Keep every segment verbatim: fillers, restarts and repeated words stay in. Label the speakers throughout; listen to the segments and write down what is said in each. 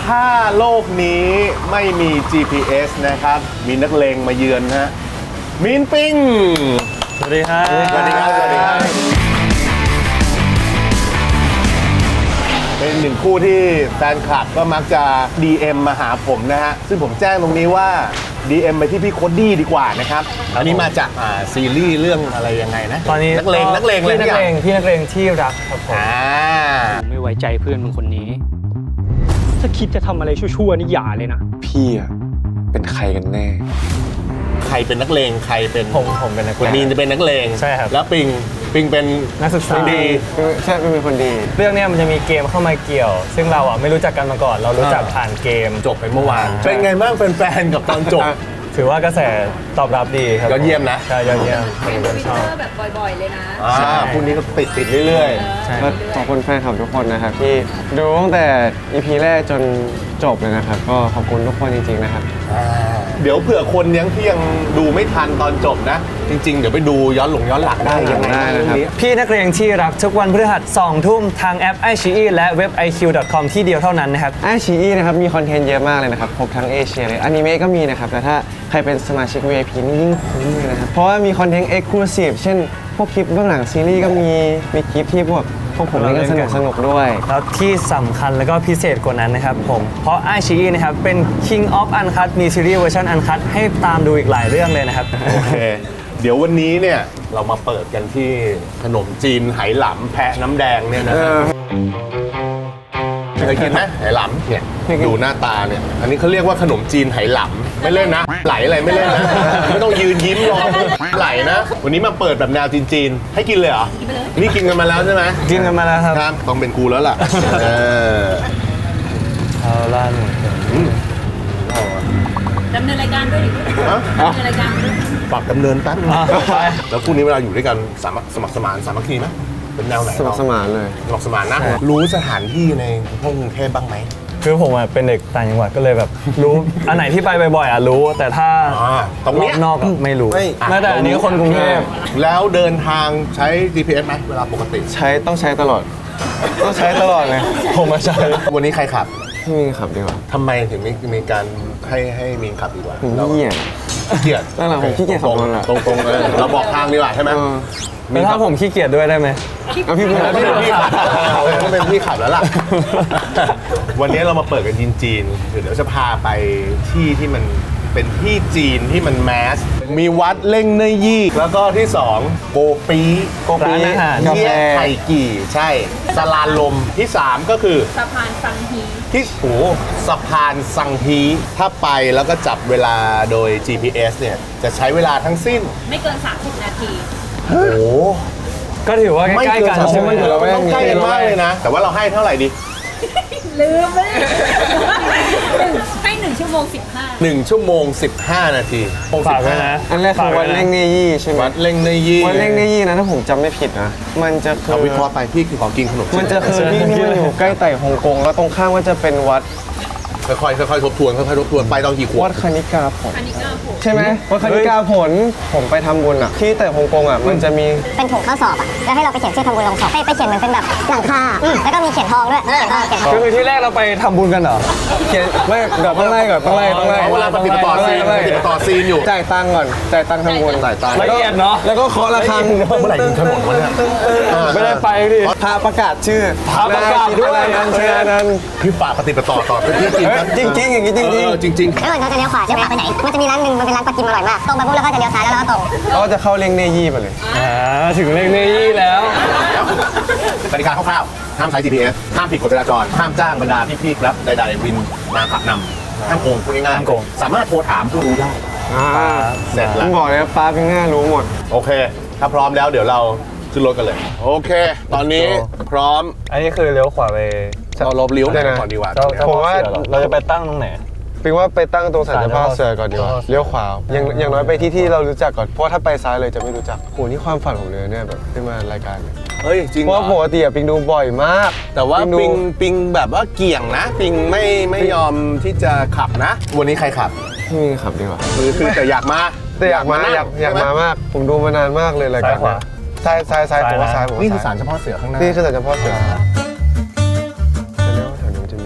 Speaker 1: ถ้าโลกนี้ไม่มี จี พี เอส นะครับมีนักเลงมาเยือนฮะมีนปิง
Speaker 2: สวัสดีครับ
Speaker 1: สวัสดีครับสวัสดีครับเป็นหนึ่งคู่ที่แฟนคลับก็มักจะ ดี เอ็ม มาหาผมนะฮะซึ่งผมแจ้งตรงนี้ว่า ดี เอ็ม ไปที่พี่โคดดี้ดีกว่านะครับอันนี้มาจากอ่าซีรีส์เรื่องอะไรยังไงนะ
Speaker 2: ตอนนี้
Speaker 1: นักเลงนักเลง
Speaker 2: พี่นักเลงพี่นักเลงที่รักครับผม
Speaker 1: อ่า
Speaker 3: ไม่ไว้ใจเพื่อนมึงคนนี้ถ้าคิดจะทำอะไรชั่วๆนี่อย่าเลยนะ
Speaker 4: พี่อะเป็นใครกันแน่
Speaker 1: ใครเป็นนักเลงใครเป็น
Speaker 2: ผมผมเป็นนักเลง
Speaker 1: มีนจะเป็นนักเลง
Speaker 2: ใช่ครับ
Speaker 1: แล้วปิงปิงเป็น
Speaker 2: นักศึกษา
Speaker 1: ดี
Speaker 4: ใช่เป็นคนดี
Speaker 2: เรื่องนี้มันจะมีเกมเข้ามาเกี่ยวซึ่งเราอ่ะไม่รู้จักกันมาก่อนเรารู้จักผ่านเกม
Speaker 1: จบไปเมื่อวานเป็นไงบ้างแฟนๆกับตอนจบ
Speaker 2: ถือว่ากระแสตอบรับดีครับ
Speaker 1: ยอดเยี่ยมนะ
Speaker 2: ใช่ยอดเยี่ยม
Speaker 5: เป็นทวิตเตอร์แบบบ่อยๆเลยนะ
Speaker 1: ใช่คู่นี้ก็ติดติดเรื่อย
Speaker 4: ๆก็ขอบคุณแฟนคลับทุกคนนะครับที่ดูตั้งแต่ อี พี แรกจนจบเลยนะครับก็ขอบคุณทุกคนจริงๆนะครับ
Speaker 1: เดี๋ยวเผื่อคนยังที่ยังดูไม่ทันตอนจบนะจริงๆเดี๋ยวไปดูย้อนหลงย้อนหลังได้ยังไง
Speaker 4: นะครับ
Speaker 2: พี่นักเรียนที่รักทุกวันพฤหัสสองทุ่มทางแอป ไอ ซี อี และเว็บ ไอ คิว ดอท คอม ที่เดียวเท่านั้นนะครับ
Speaker 4: ไอ ซี อี นะครับมีคอนเทนต์เยอะมากเลยนะครับครบทั้งเอเชียเลยอนิเมะก็มีนะครับแต่ถ้าใครเป็นสมาชิก วี ไอ พี นี่ยิ่งคุ้มเลยนะครับเพราะว่ามีคอนเทนต์ Exclusive เช่นพวกคลิปเบื้องหลังซีรีส์ก็มีมีคลิปที่พวกพวกผมเล่นกันสนุกสนุกด้วย
Speaker 2: แล้วที่สำคัญแล้วก็พิเศษกว่านั้นนะครับผมเพราะ ไอ ซี อี นะครับเป็น King of Uncut มีซีรีส์เวอร์ชัน Uncut ให้ตามดูอีกหลายเรื่องเลยนะครับ
Speaker 1: โอเคเดี๋ยววันนี้เนี่ยเรามาเปิดกันที่ขนมจีนไหหลำแพะน้ำแดงเนี่ยนะครับเคยกินไหมไหหลำเนี่ยดูหน้าตาเนี่ยอันนี้เขาเรียกว่าขนมจีนไหหลำไม่เล่นนะไหลอะไรไม่เล่นนะไม่ต้องยืนยิ้มรอไหลนะวันนี้มาเปิดแบบแนวจีนๆให้กินเลยเหรอนี่กินกันมาแล้วใช่ไหม
Speaker 2: กินกันมาแล้วครับ
Speaker 1: ครับต้องเป็นกูแล้วล่ะเออ
Speaker 2: เอาล่ะ
Speaker 5: ดำเนินรายการด้วยดิดำเนินรายการด้วย
Speaker 1: ฝากดำเนินแป๊บแล้วคู่นี้เวลาอยู่ด้วยกันสมัครสมัครสมานสามัคคีไหมเป็นแนวไหน
Speaker 4: สมัครสมานเลย
Speaker 1: สมัครสมานนะรู้สถานที่ในพวกกรุงเทพบ้างไหม
Speaker 2: คือผมอ่ะเป็นเด็กต่างจังหวัดก็เลยแบบรู้อันไหนที่ไปบ่อยๆอ่ะรู้แต่ถ้า
Speaker 1: ตรงนี้
Speaker 2: นอกไม่รู้แม้แต่อันนี้คนกรุงเทพ
Speaker 1: แล้วเดินทางใช้ จี พี เอส ไหมเวลาปกติ
Speaker 4: ใช้ต้องใช้ตลอดต้องใช้ตลอดเลย
Speaker 2: ผมมาใช้
Speaker 1: วันนี้ใครขับ
Speaker 4: พี่มีขับดีกว่า
Speaker 1: ทำไมถึงมีมีการให้ให้มีขับดีกว่า
Speaker 4: ผมเกียจ
Speaker 1: เกียจ
Speaker 4: นั่นแหละผมขี้เกียจขับรถ
Speaker 1: ตรงตรงเลยเราบอกทางดีกว่าใช่ไหม
Speaker 2: มีถ้าผมขี้เกียจด้วยได้ไหม
Speaker 4: เอาพี่เป็น
Speaker 1: พี่ขับต้องเป็นพี่ขับแล้วล่ะวันนี้เรามาเปิดกันจีนๆเดี๋ยวจะพาไปที่ที่มันเป็นที่จีนที่มันแมสมีวัดเล่งเนยยี่แล้วก็ที่สองโกปี
Speaker 2: โกปี
Speaker 1: เยี่ยไข่กี่ใช่สลานลมที่สามก็คือ
Speaker 5: สะพานสังฮี
Speaker 1: ที่โอ้สะพานสังฮีถ้าไปแล้วก็จับเวลาโดย จี พี เอส เนี่ยจะใช้เวลาทั้งสิ้น
Speaker 5: ไม่เกินสามสิบนาที
Speaker 1: โอ้
Speaker 2: ก็ถือว่าใกล้ๆกัน
Speaker 1: ใช่ไหมเราไม่ต้องใกล้กันมากเลยนะแต่ว่าเราให้เท่าไหร่ดี
Speaker 5: ลืมเลยให้หนึ่งชั่วโมงสิบห้า
Speaker 1: หนึ่งชั่วโมงสิบห้านาที
Speaker 2: ฝากไว้นะ
Speaker 4: อันแรกคือวัดเล่งเนยี่ใช่ไหม
Speaker 1: วัดเล่งเนยี่
Speaker 4: วัดเล่งเนยี่นะถ้าผมจำไม่ผิดนะมันจะคือ
Speaker 1: เอาวิเคราะห์ไปพี่คือของกินขนม
Speaker 4: มันจะคือที่ที่มันอยู่ใกล้ไต่ฮ่องกงแล้วตรงข้ามก็จะเป็นวัด
Speaker 1: ค่อยๆค่อยๆทบทวนค่อยๆทบทวนไปตอนกี่ขวบ
Speaker 4: วัดคณิกาผล
Speaker 5: คณิกาผล
Speaker 4: ใช่ไหมวัดคณิกาผลผมไปทำบุญอ่ะที่แต่ฮ่องกงอ่ะมันจะมี
Speaker 6: เป็นถุงข้อสอบอ่ะแล้วให้เราไปเขียนชื่อทำบุญลงศพไปไปเขียนเหมือนเป็นแบบหลังคาแล้วก็มีเขียนทองด้วยเขียนทอง
Speaker 2: คือที่แรกเราไปทำบุญกันเหรอ
Speaker 4: เขียนไม่เดี๋ยวต้องไล่ก่อนต้องไล่ต้องไล่
Speaker 1: เวลาปฏิบัติต่อซีนปฏิบัติต่อซีนอยู่
Speaker 4: จ่ายตังค์ก่อนจ่ายตังค์ทำบุญ
Speaker 1: จ่ายตังค์
Speaker 2: ละเอียดเนาะ
Speaker 4: แล้วก็เคาะระฆัง
Speaker 1: เมื่อไหร่ถึงถนนวะเนี่ย
Speaker 2: ไม่ได้ไปดิ
Speaker 4: พาประกาศชื่อ
Speaker 2: พาประกาศด้วย
Speaker 4: นั้นเชื่อนั้น
Speaker 1: พี่ฝากปฏิบัติต่อต่อ
Speaker 4: จริงจริงอย่างนี้จริง
Speaker 1: จริงจริง
Speaker 6: แล้วเราจะเลี้ยวขวาใช่ไหมไปไหนมันจะมีร้านนึงมันเป็นร้านปลากิมอร่อยมากตรงไปปุ๊บแล้วก็จะเลี้ยวซ้ายแล้วเราก็ตรง
Speaker 4: เราจะเข้าเล่งเนยี่ไปเลย
Speaker 2: อ่าถึงเล่งเนยี่แล้ว
Speaker 1: กติกาคร่าวๆห้ามใช้ จี พี เอส ห้ามผิดกฎจราจรห้ามจ้างบรรดาพี่ๆครับใดๆวินมาขับนำห้ามโกงพูดง่ายๆสามารถโทรถามผู้รู้ได้
Speaker 4: เสร็จแล้วบอกเลยป้าเป็นง่ายรู้หมด
Speaker 1: โอเคถ้าพร้อมแล้วเดี๋ยวเราขึ้นรถกันเลยโอเคตอนนี้พร้อม
Speaker 2: อันนี้คือเลี้ยวขวาไป
Speaker 1: เราลบเลี้ยวได้ก่อนดีกว่า
Speaker 2: ผมว่าเราจะไปตั้งตรงไหน
Speaker 4: เป็นว่าไปตั้งตรงศาลเจ้าพ่อเสือก่อนดีกว่าเลี้ยวขวาอย่างอย่างน้อยไปที่ที่เรารู้จักก่อนเพราะถ้าไปซ้ายเลยจะไม่รู้จักโหนี่ความฝันผมเลยเนี่ยแบบขึ้นมารายการ
Speaker 1: เฮ้ยจริง
Speaker 4: เพราะปกติปิงดูบ่อยมาก
Speaker 1: แต่ว่าปิงปิงแบบว่าเกี่ยงนะปิงไม่ไม่ยอมที่จะขับนะวันนี้ใครขับ
Speaker 4: พี่มีขับดีกว่า
Speaker 1: คือคือแต่อยากมา
Speaker 4: แต่อยากมาอยากอยากมามากผมดูมานานมากเลยรายการนี้ซ้ายซ้ายซ้ายผมว่าซ้ายผม
Speaker 1: นี่คือศาลเจ้าพ่อเสือข้างหน้า
Speaker 4: นี่คือศาลเจ้าพ่อเสือจะเรียกว่าแถวนี้มันจะมีร้านซาลา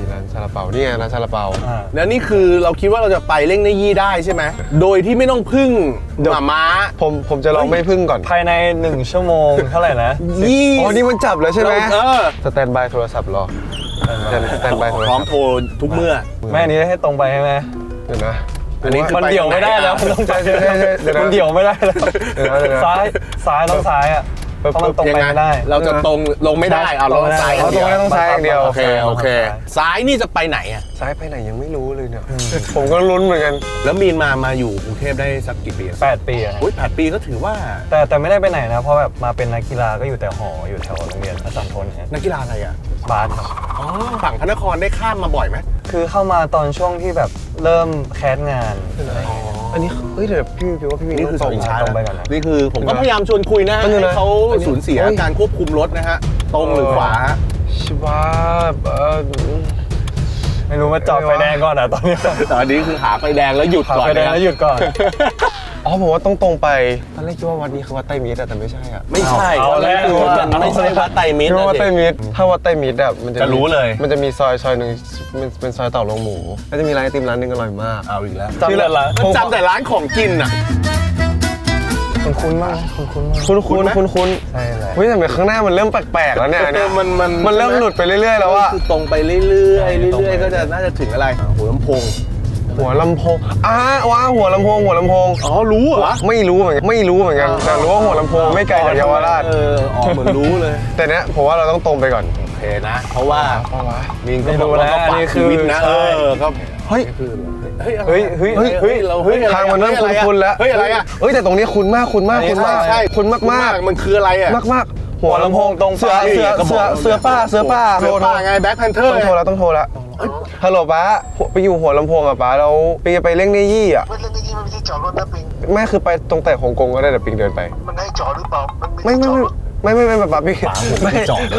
Speaker 4: เปานี่ไงร้านซาลาเปา
Speaker 1: แล้วนี่คือเราคิดว่าเราจะไปเล่งในยี่ได้ใช่ไหมโดยที่ไม่ต้องพึ่งหมาม้า
Speaker 4: ผมผมจะลองไม่พึ่งก่อน
Speaker 2: ภายในหนึ่งชั่วโมงเท่าไหร่นะ
Speaker 1: ยี่
Speaker 4: อ๋อนี่มันจับแล้วใช่ไหม
Speaker 1: เออ
Speaker 4: สแตนบายโทรศัพท์รอสแตนบายโทร
Speaker 1: พร้อ
Speaker 4: ศั
Speaker 1: ม
Speaker 4: พท์
Speaker 1: โทรทุกเมื่อ
Speaker 2: แม่อันนี้ให้ตรงไปใช่ไหม
Speaker 4: เดี๋ยวนะ
Speaker 1: อันนี้คือ
Speaker 2: มัน
Speaker 1: ไป
Speaker 2: เดี่ยวไม่ได้แล้ว
Speaker 1: ทางไหนอะ
Speaker 2: มันต้องใจ
Speaker 4: ใช่ใช่ใช่เดี๋ยวนะ
Speaker 2: มันเดี่ยวไม่ได้แล้ว
Speaker 4: เดี๋ยวนะเดี๋ยวนะ
Speaker 2: ซ้ายซ้ายต้องซ้ายอ่ะเพราะมันตรงไปไม่ได้
Speaker 1: เราจะตรงลงไม่ได้เอาลงซ้าย
Speaker 4: อ๋อตรงนี้ต้องซ้ายอย่างเดียว
Speaker 1: โอเคโอเคซ้ายนี่จะไปไหนอ่ะ
Speaker 4: ซ้ายไปไหนยังไม่รู้เลยเนี่ยผมก็ลุ้นเหมือนกัน
Speaker 1: แล้วมีนมามาอยู่กรุงเทพได้สักกี่ปี
Speaker 2: แปดปีอะ
Speaker 1: อุ้ยแปดปีก็ถือว่า
Speaker 2: แต่แต่ไม่ได้ไปไหนนะ เพราะแบบมาเป็นนักกีฬาก็อยู่แต่หออยู่แถวโรงเรียนอาจารย์ทนฮะ
Speaker 1: นักกีฬาอะไรอ่ะ
Speaker 2: บาสครับ
Speaker 1: อ๋อฝั่งพระนครได้ข้ามมาบ่อยไหม
Speaker 2: คือเข้ามาตอนช่วงที่แบบเริ่มแคสงาน
Speaker 4: อันนี้เฮ้ยเดี๋ยวพี่พี่ว่าพี่วิน
Speaker 1: นี่คือ
Speaker 4: ต้
Speaker 1: ส
Speaker 4: อ
Speaker 1: อง ง
Speaker 4: ตรง
Speaker 1: ชา
Speaker 2: ตรงไปก่อนนะ
Speaker 1: นี่คือผมก็พยายามชวนคุยนะ
Speaker 4: มันอยู่
Speaker 1: ให้
Speaker 4: นะ
Speaker 1: เขา
Speaker 4: อันนี้
Speaker 1: สูญเสีย
Speaker 4: เฮ้ย
Speaker 1: การควบคุมรถนะฮะตรงหรือขวาฮะ
Speaker 4: ชิบาเออ
Speaker 2: ไม่รู้ว่าจอดไฟแดงก่อนอ่ะตอนนี้
Speaker 1: แต่อันนี้คือหาไฟแดงแล้วหยุด
Speaker 2: ขับ
Speaker 1: ก่อน
Speaker 2: ไฟแดง
Speaker 1: นะ
Speaker 2: แล้วหยุดก่อน
Speaker 4: อ๋อผมว่าต้องตรงไปตอนแรกคิดว่าวัดนี้คือวัดไตรมิตรอะแต่ไม่ใช่อะ
Speaker 1: ไม่ใช่
Speaker 2: เอาแล้ว
Speaker 1: คือมันไม่ใช่วัดไตรมิตร
Speaker 4: คิดว่าวัดไตร
Speaker 1: นะสิ
Speaker 4: มิตรถ้าวัดไตรมิตรอะมันจะ
Speaker 1: จะรู้เลย
Speaker 4: มันจะมีซอยซอยหนึ่งมันเป็นซอยเต่าลงหมูแล้วจะมีร้านไอติมร้านหนึงอร่อยมาก
Speaker 1: เอาอีกแล้ว
Speaker 2: จำแต่ละ
Speaker 1: มันจำแต่ร้านของกินอ่ะ
Speaker 2: คุณคุ้นมากคุณคุ้นมาก
Speaker 4: คุ้นคุ้นคุ้นคุ้น
Speaker 2: ใช่แหละ
Speaker 4: เฮ้ยแต่เหมือนข้างหน้ามันเริ่มแปลกๆแล้วเนี่ยเนี่ย
Speaker 1: มันมัน
Speaker 4: มันเริ่มหลุดไปเรื่อยๆแล้วอะ
Speaker 1: คือตรงไปเรื่อยๆเรื่อยๆก็จะน่าจะถึงอะไรหัวลำโพง
Speaker 4: หัวลำโพงอ้าว้าหัวลำโพงหัวลำโพง
Speaker 1: อ๋อรู้เหรอ
Speaker 4: ไม่รู้เหมือนกันไม่รู้เหมือนกันแต่รู้ว่าหัวลำโพงไม่ไกลจากเยาวราช
Speaker 1: เอออ๋อเหมือนรู้เลย
Speaker 4: แต่เนี้ยผมว่าเราต้องตรงไปก่อน
Speaker 1: โอเคนะ เพราะว่า
Speaker 4: เพราะว่า
Speaker 1: มินก็
Speaker 2: ไม่
Speaker 1: บอ
Speaker 2: รู้
Speaker 1: กว่า
Speaker 2: นะ
Speaker 1: เขา
Speaker 2: อัน
Speaker 1: ฝาก
Speaker 2: นี้
Speaker 1: ชี
Speaker 2: คือ
Speaker 1: วิตนะเออก็
Speaker 4: เฮ้ย
Speaker 1: เฮ้ย
Speaker 2: เฮ้ยเฮ้ย
Speaker 4: เฮ้ยเฮ้ย
Speaker 1: เราเฮ้ยอะไร
Speaker 4: ทางมันเริ่ม
Speaker 1: เฮ้ยอะไร
Speaker 4: คุ้นๆแล้ว
Speaker 1: เฮ้ยอะไรอ่ะ
Speaker 4: เฮ้ยแต่ตรงนี้คุ้นมากคุ้นมาก
Speaker 2: อันนี้
Speaker 4: คุ้นมาก
Speaker 1: ใช่
Speaker 4: คุ้นมากมาก
Speaker 1: มันคืออะไรอ่ะ
Speaker 4: มากมากๆหัวลำโพง
Speaker 2: ตรง
Speaker 4: เสือ
Speaker 2: ไป
Speaker 4: เสือ
Speaker 1: ก็บ
Speaker 4: เสื
Speaker 1: อก
Speaker 4: อเสือป้าเสือป้า
Speaker 1: เสือป้าไงแบ็คแพนเทอร์
Speaker 4: ต้องโทรแล้วต้องโทรแล้วฮัลโหลป้าไปอยู่หัวลำโพงอ่ะป้าแล้วปิงจะไปเล่งในยี่อ่ะ
Speaker 7: เรื่องนี้มันไม่ใช่จอดรถนะปิง
Speaker 4: แม่คือไปตรงแต่ฮ่องกงก็ได้แต่ปิงเดินไป
Speaker 7: มันให้จอดหรือเปล่า มัน
Speaker 4: ไม่
Speaker 7: ไม่
Speaker 4: ไม่
Speaker 7: ใช่จอดรถ
Speaker 4: ไม่ไม่ไม่ไม่ป้าปิงไม่จอด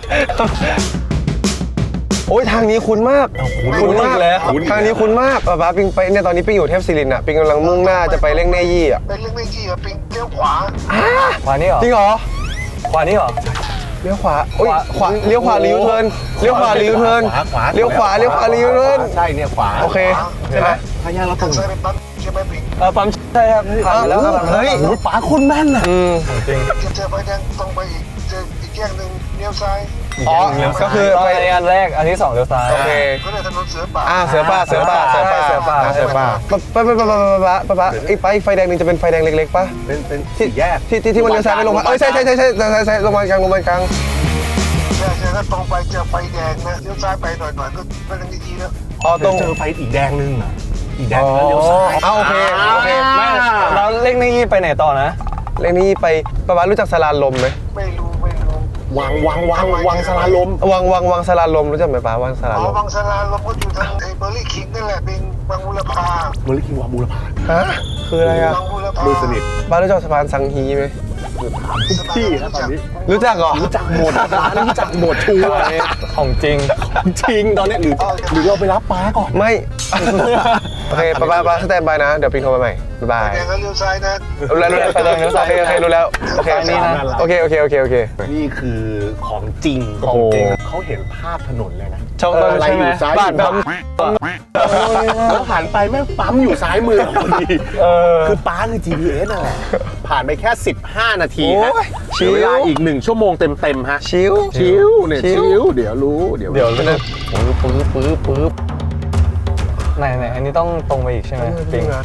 Speaker 4: โอ้ยทางนี้คุ้นมากคุ้นมากแล้วทางนี้คุ้นมากป้าป้าปิงไปเนี่ยตอนนี้ปิงอยู่เทพศิรินทร์อ่ะปิงกำลังมุ่งหน้าจะไปเล่งในยี่อ่ะ
Speaker 7: เป็นเรื่องไม่ที่อะปิงเลี้ยวขวา
Speaker 2: ขวานี่เหรอ
Speaker 4: จริงเหรอ
Speaker 2: ขวานี่เหรอ
Speaker 4: เลี้ยวขวาโอ้ย
Speaker 2: ขวา
Speaker 4: ขวาเลี้ยวขวาเลี้ยวเทิร์นเลี้ยวขวาเลี้ยวเทิร์น
Speaker 1: ขวาขวา
Speaker 4: เลี้ยวขวาเลี้ยวขวาเลี้ยวเทิร์น
Speaker 1: ใช่เนี่ยขวา
Speaker 4: โอเค
Speaker 1: ใช่ไหมพยาเราตร
Speaker 7: ทาง งซ้ายเป็นปั๊มใช่ไหมปิง
Speaker 2: เออปั๊มใช่ครับผ่านไปแล้วครับ
Speaker 4: เฮ้ย
Speaker 1: โอ้โหป๋าคนแม่นอ่ะ
Speaker 4: อืม
Speaker 2: จริง
Speaker 7: จะเจอไฟแดงตรงไปอีกเจออีกแยกหนึ่งเลี้ยวซ้าย
Speaker 4: อ๋อก็คือ
Speaker 2: ตอน
Speaker 4: ไป
Speaker 2: ในอันแรกอันที่สองเลี้ยวซ้าย
Speaker 4: โอเค
Speaker 7: ก็เลยถนนเสือป่า
Speaker 4: อ่าเสือป่าเสือป่าเสือป่า
Speaker 2: เสือป่า
Speaker 4: อ่เสือป่าไปไปไปไปไปไปไปไอ้ไปไฟแดงนึงจะเป็นไฟแดงเล็กๆป่ะ
Speaker 1: เป็นเป็นสี่แยก
Speaker 4: ที่ที่ที่มันเลี้ยวซ้ายไปลงมาเอ้ยใช่ใช่ใช่ใช่ใช่ใช่ลงมากลางลงมากลาง
Speaker 7: ใช่ใช่ถ้าตรงไปเจอไฟแดงนะเลี้ยวซ้ายไปหน่อยหน่อยก็เป็นเรื่องดีๆแล้ว
Speaker 4: อ๋อต
Speaker 1: ต้
Speaker 4: ร
Speaker 1: อง
Speaker 4: ง
Speaker 1: เจอไฟอีกแดงนึงอ่ะอีกแดงนึงแล้วเลี้ยวซ้าย
Speaker 4: อ๋อโอเคโอเค
Speaker 2: ไม่แล้วเลขนี้ไปไหนต่อนะ
Speaker 4: เลขนี้ไปป้าป้ารู้จักสลานลมไหม
Speaker 7: ไม่รู้ไม่รู้
Speaker 1: วางวางวางวางสลาลม
Speaker 4: วังวังวังสลานลมรู้จักไหมป้าวังสลาน
Speaker 7: อ๋อ
Speaker 4: ลม
Speaker 7: บางสลาลมก็อยู่ทางไอ้เบอร์รี่คิงนั่นแหละปิงบางบุรพา
Speaker 1: บริคิงวาบูรพา
Speaker 4: ฮะคืออะไรอ่ะ
Speaker 7: บางบุรพา
Speaker 1: มือสนิท
Speaker 4: ป้ารู้จักสะพานสังฮีไหม
Speaker 1: ทุกที่ครับตอนนี้
Speaker 4: รู้จักเหรอ
Speaker 1: รู้จักหมดร้านรู้จักหมดชัวร์
Speaker 2: ของจริง
Speaker 1: จริงตอนนี้หรือหรือเราไปรับป้าก่อน
Speaker 4: ไม่ โอเคป้าป้าป้าสแตนบายนะ เดี๋ยวปิงโทรมาใหม่บ๊ายบาย
Speaker 7: แดงก็เลี้ยวซ้ายนะ
Speaker 4: รู้แล้วรู้แล้ว
Speaker 2: ไปเลยเลี้ยวซ้าย
Speaker 4: โอเคโอเครู้แล้วโอเค
Speaker 2: นี่นะ
Speaker 4: โอเคโอเคโอเคโอเค
Speaker 1: นี่คือของจริง
Speaker 4: โอ้โห
Speaker 1: เขาเห็นภาพถนนเลยนะ
Speaker 2: ชอบ
Speaker 1: เอออะไรอยู่ซ้าย
Speaker 2: บ้าน
Speaker 1: อยู่ขวาแล้วหันไปแม่งปั๊มอยู่ซ้ายมือพอดี
Speaker 2: เออ
Speaker 1: คือป้าคือ จี พี เอส นั่นแหละผ่านไปแค่สิบห้านาทีฮะ
Speaker 4: โอ้ย
Speaker 1: เหลือเวลาอีกหนึ่งชั่วโมงเต็มๆฮะ
Speaker 4: ชิว
Speaker 1: ชิวเนี่ย
Speaker 4: ชิ
Speaker 1: ชิ
Speaker 4: ว
Speaker 1: วเดี๋ยวรู้เดี๋ยว
Speaker 2: เดี๋ยว
Speaker 1: รู้
Speaker 4: ปื๊บปื๊บปื๊บปื๊บ
Speaker 2: ไหนไหนอันนี้ต้องตรงไปอีกใช่ไหมปิง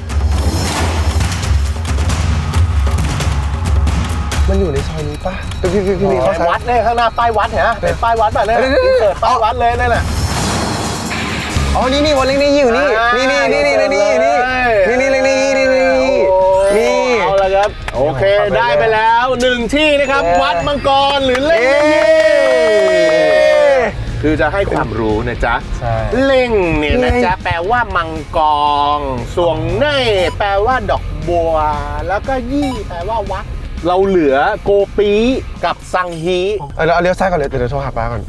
Speaker 4: มันอยู่ในซอยนี้ป่ะพี่พี่พี่พี่เขา
Speaker 1: วัดเนี่ยข้างหน้าป้ายวัดเห็นไหมเป็นป้ายวัดแบบนี้
Speaker 4: เดี๋ยวๆๆ
Speaker 1: เปิดป้ายวัดเลยนั่นแหละ
Speaker 4: อ๋อนี่นี่วันเล็กนี่อยู่นี่
Speaker 1: อ่า
Speaker 4: นี่นี่นี่นี่นี่นี่นี่นี่เล็กนี่นี่นี่นี่นี่
Speaker 1: เอาละครับโอเคได้ไปแล้วหนึ่งที่นะครับ วัดมังกรหรือเล่ง
Speaker 4: เอ๊ะ
Speaker 1: คือจะให้ความรู้นะจ๊ะ
Speaker 2: ใช่
Speaker 1: เล่งเนี่ยนะจ๊ะแปลว่ามังกรส่วงเน่แปลว่าดอกบัว แล้วก็ยี่แปลว่าวัด เราเหลือโกปีกับซังฮี
Speaker 4: เอาเราเอาเลี้ยวซ้ายก่อนเลยเดี๋ยวโทรหาป้าก่อน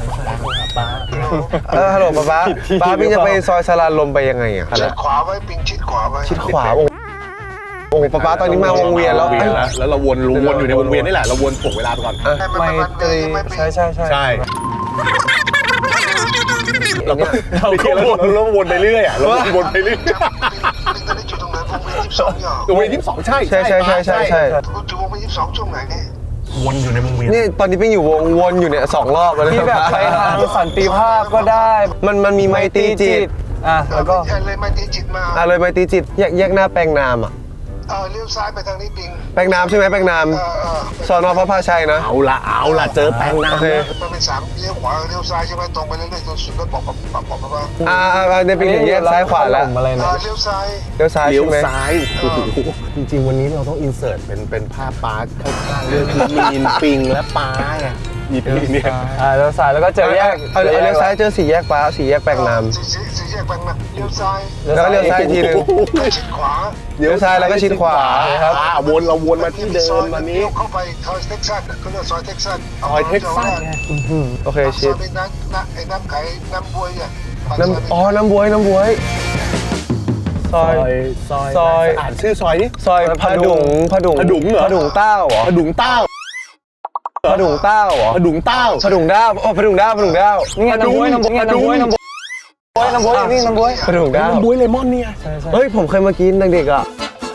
Speaker 4: เออฮัลโหลป้าป้าป้าพี่จะไปซอยสลานลมไปยังไงอ่ะ
Speaker 7: ชิดขวาไว้ปิงชิดขวาไว้
Speaker 4: ชิดขวาโอ้โอ้ป้าป้าตอนนี้มาวงเวียนแล้ว
Speaker 1: วงเวียนแล้วแล้วเราวนวนอยู่ในวงเวียนนี่แหละเราวนถ่วงเวลาไปก่อน
Speaker 2: ไม่ตรีใช่ใช่ใช่
Speaker 1: ใช่เราก็เราก็วนเราวนไปเรื่อยอ่ะเราวนไปเรื่อย
Speaker 7: ปิงตอนนี้อยู่ตรงไหนวงเวียนยี่สิบสองเนี่ย
Speaker 1: วงเวียนยี่สิบสองใช่
Speaker 4: ใช่ใช่ใช่ใช่ใช่
Speaker 7: คุณอยู่วงเวียนยี่สิบสองช่วงไหนเนี่ย
Speaker 1: วนอยู่ในวงเวียน
Speaker 4: นี่ตอนนี้เป็นอยู่วงวนอยู่เนี่ยสองรอบแล้ว
Speaker 2: ที่แบบไปทางสันติภาพก็ได้
Speaker 4: มันมันมีไมตรีจิต
Speaker 2: อ่ะแล้วก็
Speaker 7: เออเลยมาตีจิตมา
Speaker 4: อ่ะเลยไมตรีจิตแยกแยกหน้าแปลงนามอ่ะ
Speaker 7: เออเลี้ยวซ้ายไปทางนี้ปิง
Speaker 4: แปลงนามใช่ไหมแปลงนาม
Speaker 7: เออเออ
Speaker 4: สอนอพระพาชัยนะ
Speaker 1: เอาละเอาละเจอแปลง
Speaker 4: โอ
Speaker 1: น้ำ
Speaker 4: เค
Speaker 7: มันเป็นสามเลี้ยวขวาเลี้ยวซ้ายใช่ไหมตรงไปเรื่อยๆจนสุดแล้วบอกบอกบอกบอกบอกว่า
Speaker 4: อ่าอ่าในปีถึงแยกซ้ายขวาแล้ว
Speaker 2: อะไร
Speaker 7: เอ
Speaker 2: นะ
Speaker 7: อเลี้ยวซ้าย
Speaker 4: เลี้ยวซ้าย
Speaker 1: เลี้ยว
Speaker 4: ใช่ไหม
Speaker 1: ซ้ายโอ้โหจริงๆวันนี้เราต้องอินเสิร์ตเป็นเป็นภาพป้าข้างๆเรื่องคือมีนปิงและป้าไงมีปิงเนี่ย
Speaker 2: อ่าแล้วซ้ายแล้วก็เจอแยก
Speaker 4: เอาเอาเลี้ยวซ้ายเจอสี่แยกฟ้าสี่แยกแปลงนาม
Speaker 7: สี่สี่สี่แยกไปมาเลี้ยวซ้าย
Speaker 4: แล้วก็เลี้ยวซ้ายอีกทีหนึง
Speaker 7: แล้วชิดขวา
Speaker 4: เลี้ยวซ้ายแล้วก็ชิดขวา
Speaker 1: ครับอ่าวนเราวนมาที่เดิมวันนี้
Speaker 7: เลี้ยวเข้าไปซอยเท็กซัสก็เรียกซอยเท็กซัส
Speaker 1: ซอยเท็กซัสไง
Speaker 4: โอเค
Speaker 7: ซ
Speaker 4: ชิ
Speaker 7: อ
Speaker 4: ด
Speaker 7: ยเป็นน้ำน้ำไอ้น้ำไข่น้ำบวยเนี่ย
Speaker 4: น้ำอ๋อน้ำบวยน้ำบวยซอย
Speaker 1: ซอย
Speaker 4: ซอย
Speaker 1: อ่านชื่อซอยนี่
Speaker 4: ซอยพดุงพดุง
Speaker 1: พดุงเหรอ
Speaker 4: พดุงเต้าเหรอ
Speaker 1: พดุงเต้า
Speaker 4: พดุงเต้าเหรอ
Speaker 1: พดุงเต้า
Speaker 4: พดุงด้าวโอ้พดุงด้าวพดุงด้าว
Speaker 2: นี่ไงน้ำบวยน้ำบวยน้ำบวยน้ำบวยน้ำบวยนี่น้ำบวย
Speaker 4: พดุงด้าว
Speaker 1: น้ำบุ้ยเลมอนเนี่ย
Speaker 4: เฮ้ยผมเคยมากินเด็กๆอ่ะ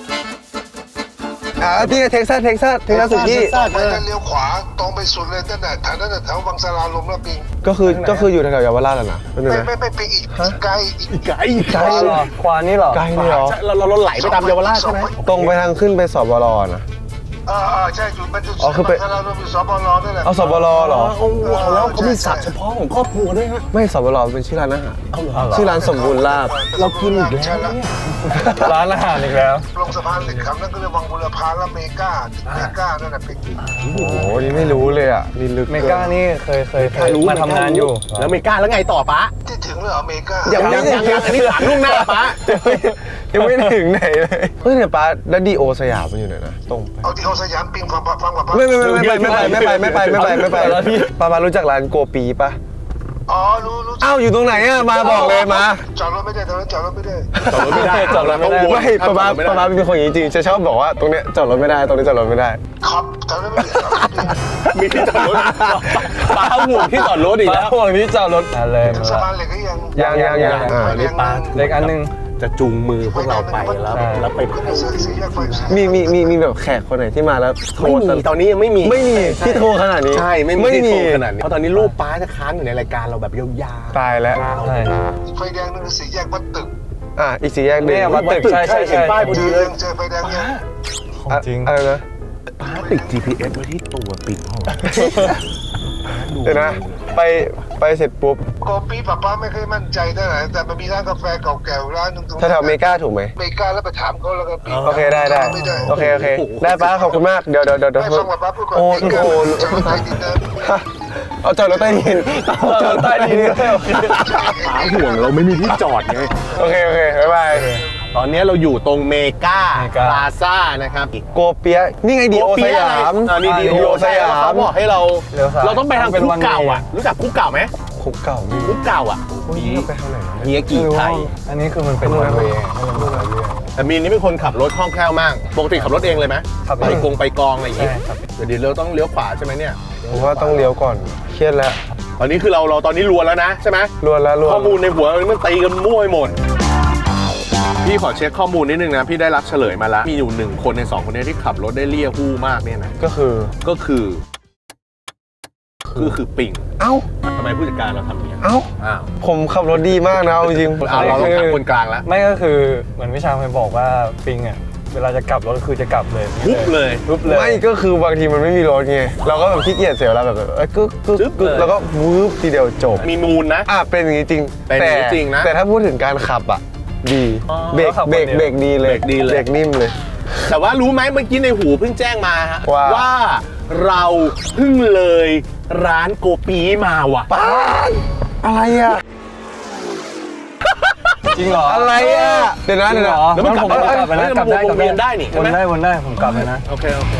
Speaker 4: อ่าที่เท็กซัสเท็กซัสเท็กซัสสุกี้
Speaker 7: ต่อไปก็เลี้ยวขวาตรงไปสุดเลยตั้งแต่แถวนั้นแถววังสลาลมแล้วปิง
Speaker 4: ก็คือก็คืออยู่แถวๆเยาวราชแหละนะเป็นไง
Speaker 7: ไม่ไม่ไม่ปิงอีกไกลอีก
Speaker 1: ไก่
Speaker 4: ไกลเหรอ
Speaker 2: ขวานี่เหรอ
Speaker 4: ไกลเลยเหรอ
Speaker 1: เราเราเราไหลไปตามเยาวราชใช่ไหม
Speaker 4: ตรงไปทางขึ้นไปสบลนะ
Speaker 7: เออเออใช่จุดมันจุด
Speaker 4: อ๋อคือไป
Speaker 7: วังสลาลมอยู่สบลนั่นแหละ
Speaker 4: เอาสบลเหรอ
Speaker 1: โอ้โหแล้วเขามีศัพท์เฉพาะของครอบครัวด้วยฮะ
Speaker 4: ไม่สบลเป็นชื่อร้านอาหาร
Speaker 1: เอาเหรอ
Speaker 4: ชื่อร้านสมบูรณ์ลาบ
Speaker 1: เรากินอีกแล้วเนี่ย
Speaker 2: ร้านอาหารอีกแล้ว
Speaker 7: ลงสะพานเหล็กคำนั่นก็เรียกวังบุรพาและเมกาเมกานั่นแหละปิง
Speaker 4: โอ้โหนี่ไม่รู้เลยอ่ะนี่ลึก
Speaker 2: เมกานี่เคยเคยเคยมาทำงานอยู่
Speaker 1: แล้วเมกาแล้วไงต่อปะ
Speaker 7: ที่ถึงเลยเหรอเมกา
Speaker 4: ยังไม่
Speaker 1: ยังยังอันนี้ถามล่วงหน้าปะ
Speaker 4: ยังไม่ถึงไหนเลยเฮ้ยเนี่ยป้าแล้วดีโอสยามมันอยู่ไหนนะตรงไป
Speaker 7: เอาที่เขาสยามปิงฟังฟังกับ
Speaker 4: ไม่ไม่ไม่ไม่ไปไม่ไปไม่ไปไม่ไปไม่ไปไม่ไปป้ามารู้จักร้านโกปีปะ
Speaker 7: อ๋อรู้รู้
Speaker 4: อ้าวอยู่ตรงไหนอ่ะมาบอกเลยมา
Speaker 7: จอดรถไม่ได้ตอนนั้นจอดรถไม่ได้
Speaker 1: จอดรถไม่ได้จอดรถไม่ได้
Speaker 4: ไม่ป้าป้าป้าป้าเป็นคนอย่างนี้จริงจะชอบบอกว่าตรงเนี้ยจอดรถไม่ได้ตรงนี้จอดรถไม่ได้
Speaker 7: ขับจอดรถไม่ได้จอดรถไม่ได้
Speaker 1: มีที่จอดรถปาห่วงที่จอดรถอีกแล้ว
Speaker 2: พวกนี้จอดรถอะไร
Speaker 7: ถึง
Speaker 2: มา
Speaker 7: สะ
Speaker 2: ละ
Speaker 7: พานเหล็กก็ยัง
Speaker 4: ยังยังยังอ่า
Speaker 1: อันนี้ปา
Speaker 2: เล็กอันนึง
Speaker 1: จะจูงมือพวกเราไปแล้วแล้วไป
Speaker 7: ขึ้นไปซื้อสีแยกไฟ
Speaker 4: มีมีมีมีแบบแขกคนไหนที่มาแล้วโทร
Speaker 1: ไม่มีตอนนี้ยังไม่มี
Speaker 4: ไม่มีที่โทรขนาดนี้
Speaker 1: ใช่ไม่มี
Speaker 4: ไม่
Speaker 1: ที่
Speaker 4: มี
Speaker 1: โทรขนาดนี้เพราะตอนนี้รูปป้าจะค้างอยู่ในรายการเราแบบยาวๆ
Speaker 4: ตายแล้ว
Speaker 2: ใช่
Speaker 7: ไฟแดงนั่นคือสีแยกวัดตึก
Speaker 4: อ่ะอีกสี่แยกหนึ่ง
Speaker 2: เนี่ยวัดตึกใช่ใช่ใช่
Speaker 1: เห็นป้ายพอดีเลย
Speaker 7: เจอไฟแดงยัง
Speaker 4: อ่ะ
Speaker 2: จริง
Speaker 4: อะไรนะ
Speaker 1: ป้าติด จี พี เอส ไว้ที่ตัวปิดห้อง
Speaker 4: เดี๋ยวนะไปไปเสร็จปุ๊บ
Speaker 7: โกปีป้าป้าไม่เคยมั่นใจเท่าไหร่แต่มันมีร้านกาแฟเก่าแก่ร้านหนึงตรง
Speaker 4: แถวๆเมกาถูกไหม
Speaker 7: เมกาแล้วไปถามเขาแล้วก็ปี
Speaker 4: โอเคได้ได้
Speaker 7: ไม่ได้
Speaker 4: โอเคโอเคได้ป้าขอบคุณมากเดี๋ยวเดี๋ยวเดี๋ยวเดี๋ยว
Speaker 7: ไม่ฟังป้าป้าพูดก่อน
Speaker 4: โอ้
Speaker 7: เมกา
Speaker 4: โห
Speaker 7: จะมาใต้ดินนะ
Speaker 4: เอาจอดรถใต้ดินเอาจอดรถใต้ดินด้วยโอเค
Speaker 1: ป้าห่วงเราไม่มีที่จอดไง
Speaker 4: โอเคโอเคบ๊ายบาย
Speaker 1: ตอนนี้เราอยู่ตรงเมกา
Speaker 2: เมกา
Speaker 1: พลาซ่านะครับ
Speaker 4: โกเปียะนี่ไงดีโอสยาม
Speaker 1: อ่านี่ดี
Speaker 4: ดี
Speaker 1: โอ
Speaker 4: โอ
Speaker 1: ส
Speaker 4: ส
Speaker 1: ยาย
Speaker 4: าม ม
Speaker 1: เขาบอกให้เรา
Speaker 2: เลี้ยวซ้าย
Speaker 1: เราต้องไปทาง
Speaker 2: เป็น
Speaker 1: คุ
Speaker 2: วั
Speaker 1: ก
Speaker 2: น
Speaker 1: เก่า
Speaker 2: เวย์
Speaker 1: อ่ะ รู้จักคุกเก่าไหม
Speaker 4: คุกเก่ามี
Speaker 1: คุกเก่าอ่ะ
Speaker 4: นี่ไปทางไหนวะ
Speaker 1: เฮียกี่ไทย
Speaker 2: อันนี้คือมันเป็นวันเวย์
Speaker 1: แต่มีนนี่เป็นคนขับรถคล่องแคล่วมาก ปกติขับรถเองเลยไหม
Speaker 2: ขับ
Speaker 1: ไป
Speaker 2: เอง
Speaker 1: กงไปกองอะไรอย่างงี้
Speaker 2: ใช่ครับ
Speaker 1: เดี๋ยวเราต้องเลี้ยวขวาใช่ไหมเนี่ย
Speaker 4: ผมว่าต้องเลี้ยวก่อนเครียดแล้ว
Speaker 1: ตอนนี้คือเราเราตอนนี้รวนแล้วนะใช่ไหม
Speaker 4: รวนแล้วรวน
Speaker 1: ข้อมูลในหัวมันตีกันมั่วไปหมด พี่ขอเช็คข้อมูลนิดนึงนะ พี่ได้รับเฉลยมาแล้ว มีอยู่หนึ่งคนในสองคนนี้ที่ขับรถได้เลี่ยหู้มากเนี่ยนะ
Speaker 4: ก็คือ
Speaker 1: ก็คือคือคือปิ่ง
Speaker 4: เอ้า
Speaker 1: ทำไมผู้จัดการเราทำอย่างนี้
Speaker 4: เอ้า
Speaker 1: อ้าว
Speaker 4: ผมขับรถดีมากนะเอาจริง
Speaker 1: เอาเราต้องถามคนกลางแล้ว
Speaker 2: ไม่ก็คือเหมือนวิชาเคยบอกว่าปิงอ่ะเวลาจะกลับรถคือจะกลับเลย
Speaker 1: ปุ๊บเลย
Speaker 2: ปุ๊บเลย
Speaker 4: ไม่ก็คือบางทีมันไม่มีรถไงเราก็แบบขี้เกียจเสียเวลาแบบเอ้ยกึกกึก
Speaker 1: จึ๊บ
Speaker 4: กึก
Speaker 1: เลย
Speaker 4: แล้วก็วืบทีเดียวจบ
Speaker 1: มีมูลนะ
Speaker 4: อ่ะเป็นอย่างนี้จริง
Speaker 1: เป็นอย่างนี้จริงนะ
Speaker 4: แต่ถ้าพูดถึงการขับอ่ะดี
Speaker 1: อ๋อ
Speaker 4: เบรกเบรกเบรกดีเลย
Speaker 1: เบรกดีเลย
Speaker 4: เบรกนิ่มเลย
Speaker 1: แต่ว่ารู้ไหมเมื่อกี้ในหูเพิ่งแจ้งมาฮะ
Speaker 4: ว่า
Speaker 1: เราเพิ่งเลยร้านโกปีมาว่ะ
Speaker 4: ป้าดอะไรอ่ะ
Speaker 2: จริงเหรอ
Speaker 4: อะไรอ่ะเดี๋ยวนะ
Speaker 2: จริ
Speaker 4: เดี๋
Speaker 2: ง
Speaker 4: ยว
Speaker 2: เหร
Speaker 4: นะ
Speaker 2: อ
Speaker 1: แล้วมันกลับ
Speaker 2: ผม
Speaker 1: ได้
Speaker 2: กลับไปนะ
Speaker 1: เฮ้ย
Speaker 2: กลับได้
Speaker 1: มันวนเวียนได้นี่ใช่
Speaker 2: ว
Speaker 1: ไหม
Speaker 2: นได้วนได้ผมกลับเลยนะ
Speaker 1: โอเคโอเค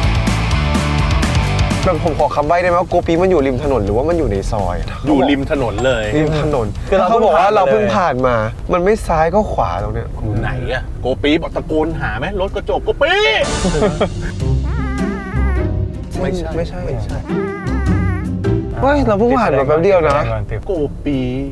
Speaker 4: แบบผมขอคำใบ้ได้ไหมว่าโกปีมันอยู่ริมถนนหรือว่ามันอยู่ในซอย
Speaker 1: อยู่ริมถนนเลย
Speaker 4: ริมถนน
Speaker 2: คือเรา
Speaker 4: เขาบอกว่า
Speaker 2: เพิ่งผ่าน
Speaker 4: เราเพิ่ง
Speaker 2: เลย
Speaker 4: ผ่านมา มันไม่ซ้ายก็ขวาตรงเนี้ย
Speaker 1: อยู่ไหนอะโกปีบอกตะโกนหาไหมรถกระจกโกปี ไม่ใช่
Speaker 4: ไม่ใช่ไม่ใช่เฮ้ยเราเพิ่งผ่านมาแป๊บเดียวนะ
Speaker 1: โกปี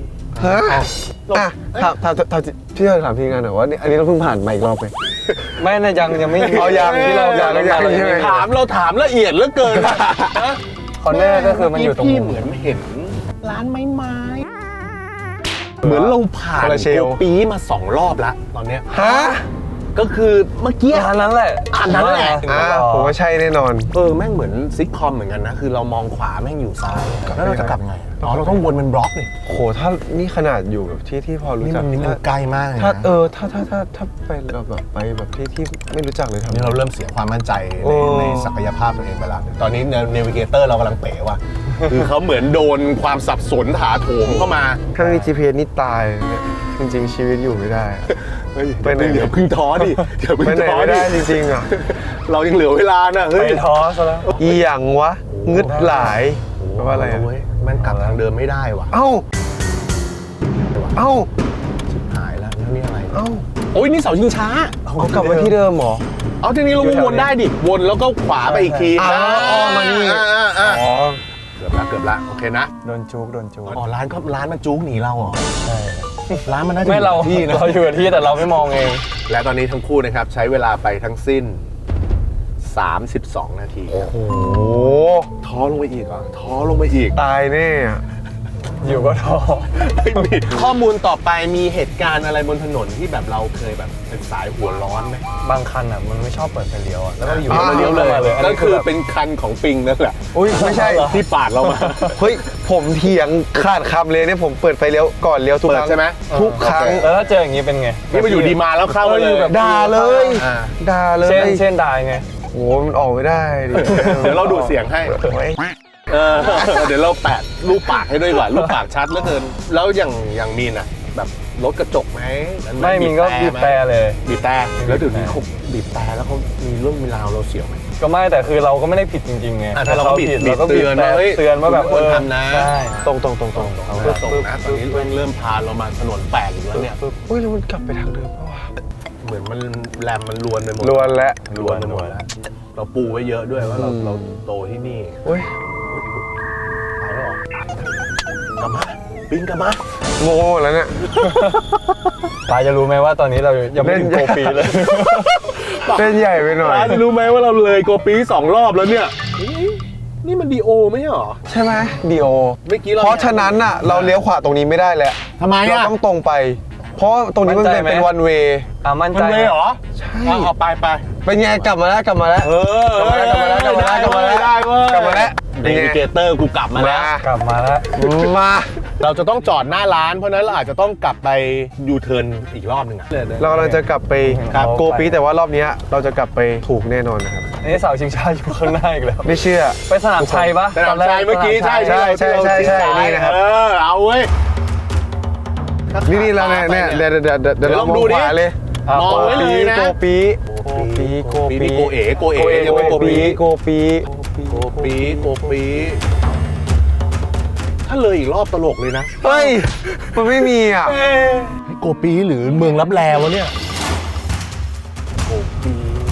Speaker 4: ฮะอ่ะถามถามถามพี่ถามทีมงานหน่อยว่านี่อันนี้เราเพิ่งผ่านมาอีกรอบไหม
Speaker 2: ไม่นะยังยังไม่
Speaker 4: เอายัง
Speaker 2: ที่เรา
Speaker 4: ยังยังใช่ไหม
Speaker 1: ถามเราถามละเอียดเหลือเกินนะ
Speaker 2: คอนเนอร์ก็คือมันอยู่ตรง
Speaker 1: พี่เหมือนเห็นร้านไม้ไม้เหมือนเราผ่านโกปีมาสองรอบแล้วตอนเนี้ย
Speaker 4: ฮะ
Speaker 1: ก็คือเมื่อกี้
Speaker 2: อันนั้นแหละ
Speaker 1: อันนั้นแหละ
Speaker 4: อ่าผมว่าใช่แน่นอน
Speaker 1: เออแม่งเหมือนซิทคอมเหมือนกันนะ คือเรามองขวาแม่งอยู่ซ้ายแล้วเราจะกลับไงอ๋อเราต้องวนเป็นบล็อกนี่
Speaker 4: โหถ้านี่ขนาดอยู่แบบที่ที่พอรู้
Speaker 1: นี่
Speaker 4: จั
Speaker 1: มั
Speaker 4: ก
Speaker 1: นนี่มันไกลมากเลย
Speaker 4: ถ้า
Speaker 1: นะ
Speaker 4: เออถ้าถ้าถ้าถ้าไปแบบแบบไปแบบที่ที่ไม่รู้จักเลยทำ
Speaker 1: นี่เราเริ่มเสียความมั่นใจ
Speaker 4: โอ้
Speaker 1: ในในศักยภาพตัวเองไปแล้วตอนนี้เนวิเกเตอร์เรากำลังเป๋ว่ะ คือเขาเหมือนโดนความสับสนถาโถมเข้ามา
Speaker 4: ถ้าไม่มี จี พี เอส นี่ตายเนี่ยจริงๆ ชีวิตอยู่ไม่ได้ ไปไหน
Speaker 1: เดี๋ยวพึ่งท้อดิเดี๋ยวพึ่
Speaker 4: ไป
Speaker 1: ง
Speaker 4: ไหน
Speaker 1: ท้อ
Speaker 4: ไม่
Speaker 1: ดิ
Speaker 4: ได้จริงๆอ่ะ
Speaker 1: เรายังเหลือเวลานะ
Speaker 2: ไป
Speaker 1: เฮ้ย
Speaker 2: ท้อซะแล้ว
Speaker 4: อีหยังวะงึดหลายแปลว่าอะไรอะ
Speaker 1: เว้ยมันกลับทางเดิมไม่ได้ว่ะ
Speaker 4: เอ้า เอ้า
Speaker 1: ชิบหายแล้วแล้วนี่อะไร
Speaker 4: เอ้า
Speaker 1: โอ้ยนี่เสาชิงช้า
Speaker 4: เอากลับมาที่เดิมเหรอ
Speaker 1: เอาทีนี้เราวนได้ดิวนแล้วก็ขวาไปอีกที
Speaker 4: อ่าอ๋อมานี่
Speaker 1: อ่าอ่าอ่า
Speaker 4: อ๋อ
Speaker 1: เกือบละเกือบละโอเคนะ
Speaker 2: โดนจุกโดนจุก
Speaker 1: อ๋อร้านก็ร้านมันจุกหนีเราเหรอใช่ร้านมันน่าจะ
Speaker 2: ไม่เรา
Speaker 1: อยู่ที่นะ
Speaker 2: เราอยู่กับที่แต่เราไม่มองเอง
Speaker 1: และตอนนี้ทั้งคู่นะครับใช้เวลาไปทั้งสิ้น สามสิบสอง นาทีครับ
Speaker 4: โอ้โห
Speaker 1: ท้อลงไปอีกเหรอท้อลงไปอีก
Speaker 4: ตายแน่อะ
Speaker 2: อยู่ก็ท้อ
Speaker 1: ไม่มีข้อมูลต่อไปมีเหตุการณ์อะไรบนถนนที่แบบเราเคยแบบเป็นสายหัวร้อนไหม
Speaker 2: บางคันอ่ะมันไม่ชอบเปิดไฟเลี้ยวอ่ะแล้วก็อยู่
Speaker 1: อ่าเลี้ยวเลย
Speaker 2: มาอัน
Speaker 1: ก็
Speaker 2: นี้
Speaker 1: คือ
Speaker 2: แบบ
Speaker 1: เป็นคันของปิงนั่นแหละ
Speaker 4: อุ้ยไม่ใช่
Speaker 1: ที่ปาดเรามา
Speaker 4: เฮ้ย ผมเถียงขาดคำเลยเนี่ยผมเปิดไฟเลี้ยวก่อนเลี้ยวทุก
Speaker 1: เปิ
Speaker 4: ค
Speaker 1: ด
Speaker 4: รั้ง
Speaker 1: ใช่ไหม
Speaker 4: ทุกครั้ง
Speaker 2: แล้วถ้าเจออย่างนี้เป็นไง
Speaker 1: นี่มาอยู่ดีมาแล้วเข้า
Speaker 2: เออ
Speaker 1: เล
Speaker 2: อยู่
Speaker 1: ย
Speaker 2: แบบ
Speaker 4: ด่าเลย
Speaker 1: อ่า
Speaker 4: ด่าเลย
Speaker 2: เช่นเช่นได้ไง
Speaker 4: โหมันออกไม่ได้ดิ
Speaker 1: เดี๋ยวเราดูดเสียงให้
Speaker 4: ไว้
Speaker 1: เออเดี๋ยวเราแปะรูปปากให้ด้วยดีกว่ารูปปากชัดเหลือเกินแล้วอย่างอย่างมีนอ่ะแบบรถกระจกไหม
Speaker 2: ไม่มีก็บีบแต่เลย
Speaker 1: บีบแต่แล้วเดี๋ยวนี้เขาบีบแต่แล้วเขามีเรื่องมีราวเราเสียวไหม
Speaker 2: ก็ไม่แต่คือเราก็ไม่ได้ผิดจริงๆไง
Speaker 1: อ่ะถ้าเราก็บีบ
Speaker 2: ผิด
Speaker 1: บีบ
Speaker 2: เราก็บีบ
Speaker 1: เตือน
Speaker 2: แต่
Speaker 1: ว่าเฮ้ย
Speaker 2: เตือนว่าแบบ
Speaker 1: คุณควร
Speaker 2: เออ
Speaker 1: ทำนะ
Speaker 2: ใช่
Speaker 4: ตรงตรงตรงตรง
Speaker 1: เอาเริ่มตรงนะตอนนี้เริ่มเริ่มพาเรามาถนนแปลกอีกแล้วเนี่ย
Speaker 4: อุ้ยแล้วมันกลับไปทางเดิมปะวะ
Speaker 1: เหมือนมันแรมมันลวนไปหมด
Speaker 4: ลวนแล้ว
Speaker 1: ลวนไปหมดแล้วเราปูไว้เยอะด้วยว่าเราเราโตที่นี่
Speaker 4: เฮ้ย
Speaker 1: ไปแล้วเหรอกลับมาปิงกลับมา
Speaker 4: โง่แล้วเนี่ย
Speaker 2: ตาจะรู้ไหมว่าตอนนี้เรายังไม่ถึง
Speaker 4: เล่
Speaker 2: โก
Speaker 4: น
Speaker 2: ปีเลย
Speaker 4: เล่นใหญ่ไปหน่อย
Speaker 1: ร้านจะรู้ไหมว่าเราเลยโกปีสองรอบแล้วเนี่ยเฮ้ยนี่มันดีโอไม่ใช่เหรอ
Speaker 4: ใช่ไหมดีโอ
Speaker 1: เมื่อกี้เรา
Speaker 4: เพราะฉะนั้นน่ะเราเลี้ยวขวาตรงนี้ไม่ได้แล้ว
Speaker 1: ทำไม
Speaker 4: เรา
Speaker 1: อ่ะ
Speaker 4: ต้องตรงไป เพราะว่าตรงนี้มัน
Speaker 2: มั่นใจ
Speaker 4: เป็น
Speaker 2: ไหม
Speaker 4: เป็นวันเวย์
Speaker 2: อ่ะมั่น
Speaker 1: มั
Speaker 2: ใจ
Speaker 1: นเลยเหรอ
Speaker 4: ใช่
Speaker 1: เอาเอาไปไป
Speaker 4: เป็นไงกลับมาแล้วกลับมาแล้ว
Speaker 1: เออก
Speaker 4: ลับมาแล้วกลับมาแล้วกลับมาแล้ว
Speaker 1: ได้เว้ย
Speaker 4: กลับมาแล้ว
Speaker 1: เดวิเกเตอร์กูกลับมาแล้ว
Speaker 2: กลับมาแล้ว
Speaker 4: มา
Speaker 1: เราจะต้องจอดหน้าร้านเพราะฉะนั้นเราอาจจะต้องกลับไปยูเทิร์นอีกรอบหนึ่งอ่ะ
Speaker 4: เรากำลังจะกลับไป
Speaker 2: ครับ
Speaker 4: โกปีแต่ว่ารอบเนี้ยเราจะกลับไปถูกแน่นอนนะครับ
Speaker 2: อันนี้เสาชิงช้าอยู่ข้างหน้าอีกแล้ว
Speaker 4: ไม่เชื่อ
Speaker 2: ไปสนามชัยปะ
Speaker 1: สนามชัยเมื่อกี้ใช่
Speaker 4: ใช่ใช่ใช่ใช่นี่นะครับ
Speaker 1: เออเอาเว้ย
Speaker 4: นี่นี่เราเนี่ยเนี่ยเดี๋ยวเดี๋ยวเดี๋ยวเดี๋ยว
Speaker 1: เดี๋ยวล
Speaker 4: เรา
Speaker 1: อง
Speaker 4: มอง
Speaker 1: ดูดิ
Speaker 4: ขวาเลย
Speaker 2: อ่ะ
Speaker 1: มองไว้เลยนะ
Speaker 4: โกปีโกปีโก
Speaker 1: ปี
Speaker 4: ปี
Speaker 1: นี่โกเอ๋โกเอ๋
Speaker 2: โกเอ๋
Speaker 1: ยังไม่โกปี
Speaker 4: โกปี
Speaker 1: โกปีโกปีถ้าเลยอีกรอบตลกเลยนะ
Speaker 4: เฮ้ยมันไม่มีอ่ะ
Speaker 1: โกปีหรือเมืองรับแลวะเนี่ยโกปี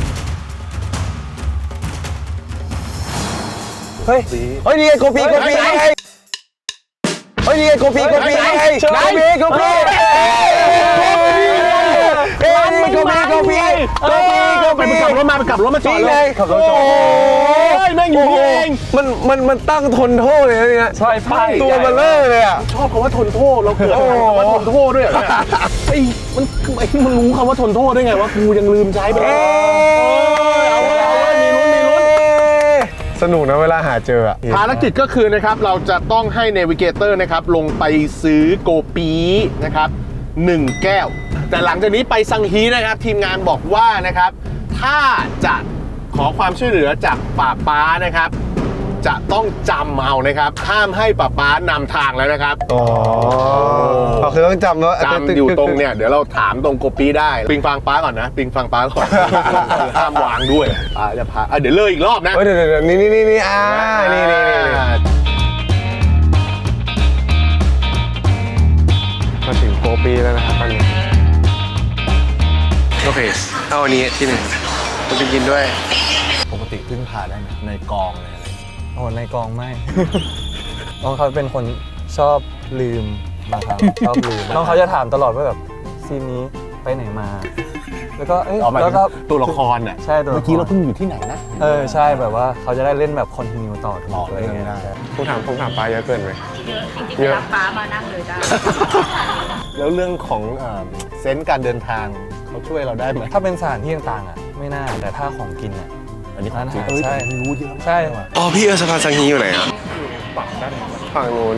Speaker 4: เฮ้ยเฮ้ยนี่ไงโกปีโกปีไงเฮ้ยนี่ไงโกปีโกปีไงโกปีโกปีเฮ้ยนี่โกปีโกปีโกปีโก
Speaker 1: ไป
Speaker 4: ปี
Speaker 1: ไปกลับรถมาไปกลับรถมาจอด
Speaker 4: นี่
Speaker 1: เล
Speaker 4: ไง
Speaker 1: ย
Speaker 4: ขับรถจอด
Speaker 1: โอ้ยแม่งอยู่นี่เอง
Speaker 4: มันมันมันตั้งทนโทษเลยนะเนี่ย
Speaker 2: ใช่ป้าย
Speaker 4: ตัวมันเลอะเลยอ่ะ
Speaker 1: ชอบคำว่าทนโทษเราเกิดอะไรคำว่าทนโทษด้วยเหรอเนี่ยไอ้มันไอ้มันรู้คำว่าทนโทษได้ไงวะกูยังลืมใช้ไปเลยเอาเว้ยเอาเว้ยมีลุ้นมีลุ้น
Speaker 4: สนุกนะเวลาหาเจออ่ะ
Speaker 1: ภารกิจก็คือนะครับเราจะต้องให้เนวิเกเตอร์นะครับลงไปซื้อโกปีนะครับหนึ่งแก้ว แต่หลังจากนี้ไปซังฮีนะครับทีมงานบอกว่านะครับถ้าจะขอความช่วยเหลือจากป้าป๊านะครับจะต้องจำเอานะครับห้ามให้ป้าป๊านำทางแล้วนะครับ
Speaker 4: อ๋อเราคือต้องจำว่า
Speaker 1: จำอยู่ตรงเนี่ยเดี๋ยวเราถามตรงโกปีได้ปิงฟังป้าก่อนนะปิงฟังป้าก่อนห้ามวางด้วยป้าจะพาอ่ะเดี๋ยวเลยอีกรอบนะ
Speaker 4: เฮ้ยเดี๋ยวเดี๋ยวนี่นี่นี่นี่อ่านี่นี่นี่มาถึงโกปีแล้วนะครับตอนนี้โอเคเอาอันนี้ที่หนึ่งผมจะกินด้วย
Speaker 1: ปกติพึ่งพาได้ไหมในกองเลยอะไร
Speaker 2: โอ้ในกองไม่ น้องเขาเป็นคนชอบลืมบางครั้งชอบลืมน้องเขาจะถามตลอดว่าแบบซีนนี้ไปไหนมา แล้วก็เอ้ย
Speaker 1: เอาหมาย
Speaker 2: แล้
Speaker 1: ถึ
Speaker 2: วก็
Speaker 1: งตัวละครน่ะ
Speaker 2: ใช่ตัวละคร
Speaker 1: เมื่อกี้เราเพิ่งอยู่ที่ไหนนะ
Speaker 2: เออใช่แบบว่าเขาจะได้เล่นแบบคอนติเนียต่อถู
Speaker 1: ต่อก
Speaker 2: อะไรเงี้ย
Speaker 1: เรื่องได้
Speaker 4: ผมถามผมถามปลาเยอะเกินไหม
Speaker 5: เยอะจริงๆไปรับป้ามานั่งเลยได้
Speaker 1: แล้วเรื่องของเอ่อเซนส์การเดินทางเขาช่วยเราได้ไหม
Speaker 2: ถ้าเป็นสถานที่ต่างๆอ่ะไม่น่าแต่ถ้าของกินอ่ะ
Speaker 1: อันนี้
Speaker 2: ร้านอาหาร
Speaker 1: เอ้ย
Speaker 2: ใช่
Speaker 1: แต่ไม่รู้ที่เขา
Speaker 2: ใช่
Speaker 4: อ๋อพี่เออสะพานสังฮีอยู่ไหนอ่ะฝั่งนู้น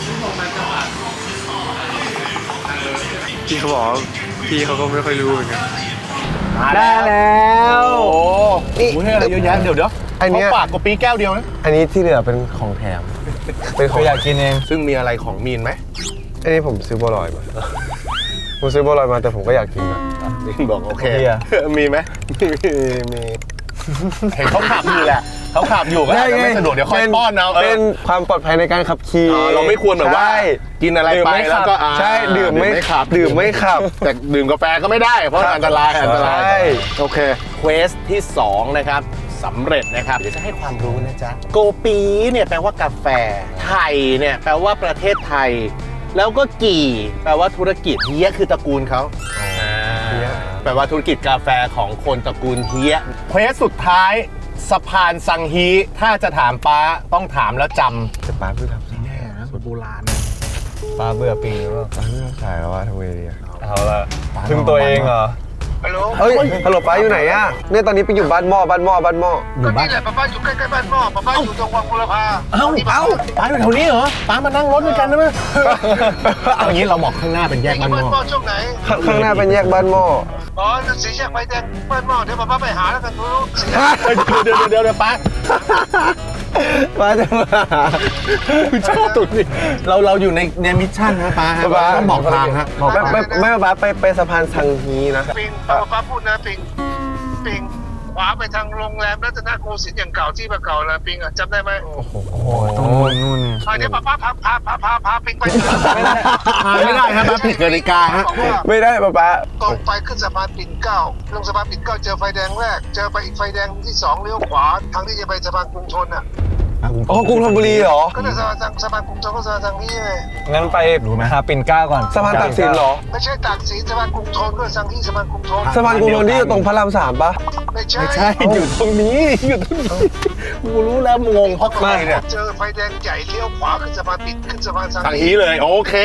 Speaker 4: พี่เขาบอกพี่เขาก็ไม่ค่อยรู้เหมือนกัน
Speaker 1: ได้แล้วโอ้นี่อะไรเยอะแยะเดี๋ยวเดี๋ยว
Speaker 4: อันเนี้ย
Speaker 1: เขาฝากกะปิแก้วเดียวนะ
Speaker 4: อันนี้ที่เหลือเป็นของแถมเป็นข
Speaker 2: เขา
Speaker 4: อง
Speaker 2: อยากกินเอง
Speaker 1: ซึ่งมีอะไรของมีนไหม
Speaker 4: อันนี้ผมซื้อบัวลอยมา ผมซื้อบัวลอยมาแต่ผมก็อยากกินนะ
Speaker 1: มีนบอกโอเค
Speaker 2: เบียร์
Speaker 1: มีไหมมีมีเห็นเขาขับอยู่แหละเขาขับอยู่ก็อาจจะไม่สะดวกเดี๋ยวค่อยป้อนเอาเอ
Speaker 4: เป็
Speaker 1: อน
Speaker 4: ความปลอดภัยในการขับขี่
Speaker 1: อ๋อเราไม่ควรแบบว่า
Speaker 4: ใช่
Speaker 1: กินอะไร
Speaker 4: ดื่ม
Speaker 1: ไป
Speaker 4: ไม่
Speaker 1: แล้ว
Speaker 4: ขับ
Speaker 1: ก็อ่า
Speaker 4: ใช่ดื่มไม่
Speaker 1: ขับ
Speaker 4: ดื่มไม่ขับ
Speaker 1: แต่ดื่มกาแฟก็ไม่ได้ เพราะอันตรายอันตราย
Speaker 4: ใช่
Speaker 1: โอเคเควสที่สองนะครับสำเร็จนะครับเดี๋ยวจะให้ความรู้นะจ๊ะโกปีเนี่ยแปลว่ากาแฟไทยเนี่ยแปลว่าประเทศไทย แล้วก็กี่แปลว่าธุรกิจเฮียคือตระกูลเขาเฮียแปลว่าธุรกิจกาแฟของคนตระกูลเฮียเควสสุดท้ายสะพานสังฮีถ้าจะถามป้าต้องถามแล้วจำ
Speaker 4: จะป้าเพิ่งทำ
Speaker 1: แน่นะสูตรโบราณ
Speaker 2: ปลาเบื่อปีหรือเปล่า
Speaker 4: ป้าเพิ่งขายแล้วว่าทำไงดีอะ
Speaker 2: เอาละพึ่งตัวเองเหรอ
Speaker 7: ฮัลโหล
Speaker 4: เฮ้ยฮัลโหลป้าอยู่ไหนอะเนี่ยตอนนี้ไปอยู่บ้านหม้อบ้านหม้อบ้านหม้อ
Speaker 1: อยู่บ้าน
Speaker 7: นี่แหละป้าป้าอยู่ใกล้ๆบ้านพ่อป้าป้าอยู่ตรงวังบุรพา
Speaker 1: เอ้าเอ้าป้าอยู่แถวนี้เหรอป้ามานั่งรถด้วยกันได้ไหมเอางี้เราบอกข้างหน้าเป็นแยก
Speaker 7: บ้า
Speaker 1: บ้าน นห
Speaker 7: พ่
Speaker 1: ม้
Speaker 7: อ
Speaker 1: อ
Speaker 7: ช่วงไหน
Speaker 4: ข้างข้างหน้าเป็นแยกบ้านหม้อ
Speaker 7: อ๋อสีแยกไฟแดงบ้านหม้อเดี๋ยวป้าป้าไปหาแล้วกันรู้สีแยก
Speaker 1: เดี๋ยวเดี๋ยวเดี๋ยวเดี๋ยวป้า
Speaker 4: ป้าจะมาหา
Speaker 1: คือชอบตุ่นนี่เราเราอยู่ในในมิชชั่นนะป้าฮะ
Speaker 4: ป้า
Speaker 1: ต้องบอกทางฮะ
Speaker 4: ไม่ไม่ไม่ป้าไปไปสะพานสังฮีนะ
Speaker 7: ปิงป้าป้าพูดนะปิงปิงขวาไปทางโรงแรมรัตนโกสินทร์อย่างเก่าที่มาเก่าแล้วปิงอ่ะจำได้ไหม
Speaker 2: โอ้โหต้องนู่นนู่นเนี่ย
Speaker 7: อ่ะเดี๋ยวป้าป้าพาพาพาพาพาปิงไป
Speaker 1: ไม่ได้ครับป้าผิดกติกาฮะ
Speaker 7: บอกว่า
Speaker 4: ไม่ได้ป้าป้า
Speaker 7: ตรงไปขึ้นสะพานปิ่นเกล้าลงสะพานปิ่นเกล้าเจอไฟแดงแรก เจอไปอีกไฟแดงที่สองเลี้ยวขวาทางที่จะไปสะพานกรุงธนอ่ะ
Speaker 4: อ๋อกรุงธนบุรีเหรอ
Speaker 7: ก็เลยสะพานทางสะพานกรุงธนก็สะพานทางนี้ไง
Speaker 2: งั้นไปหาปิ่นเกล้าก่อน
Speaker 4: สะพานตากสินเหรอ
Speaker 7: ไม่ใช่ตากสินสะพานกรุงธนก็ทางที่สะพานกรุงธน
Speaker 4: สะพานกรุงธนที่อยู่ตรงพระรามสามปะ
Speaker 7: ไม่ใช่
Speaker 1: ไม่ใช่อยู่ตรงนี้อยู่ตรงนี้กูรู้แล้วงงเพราะใครเนี่ย
Speaker 7: เจอไฟแดงใหญ่เลี้ยวขวาขึ้นสะพานปิ่นขึ้นสะพานทาง
Speaker 1: ทางนี้เลยโอเค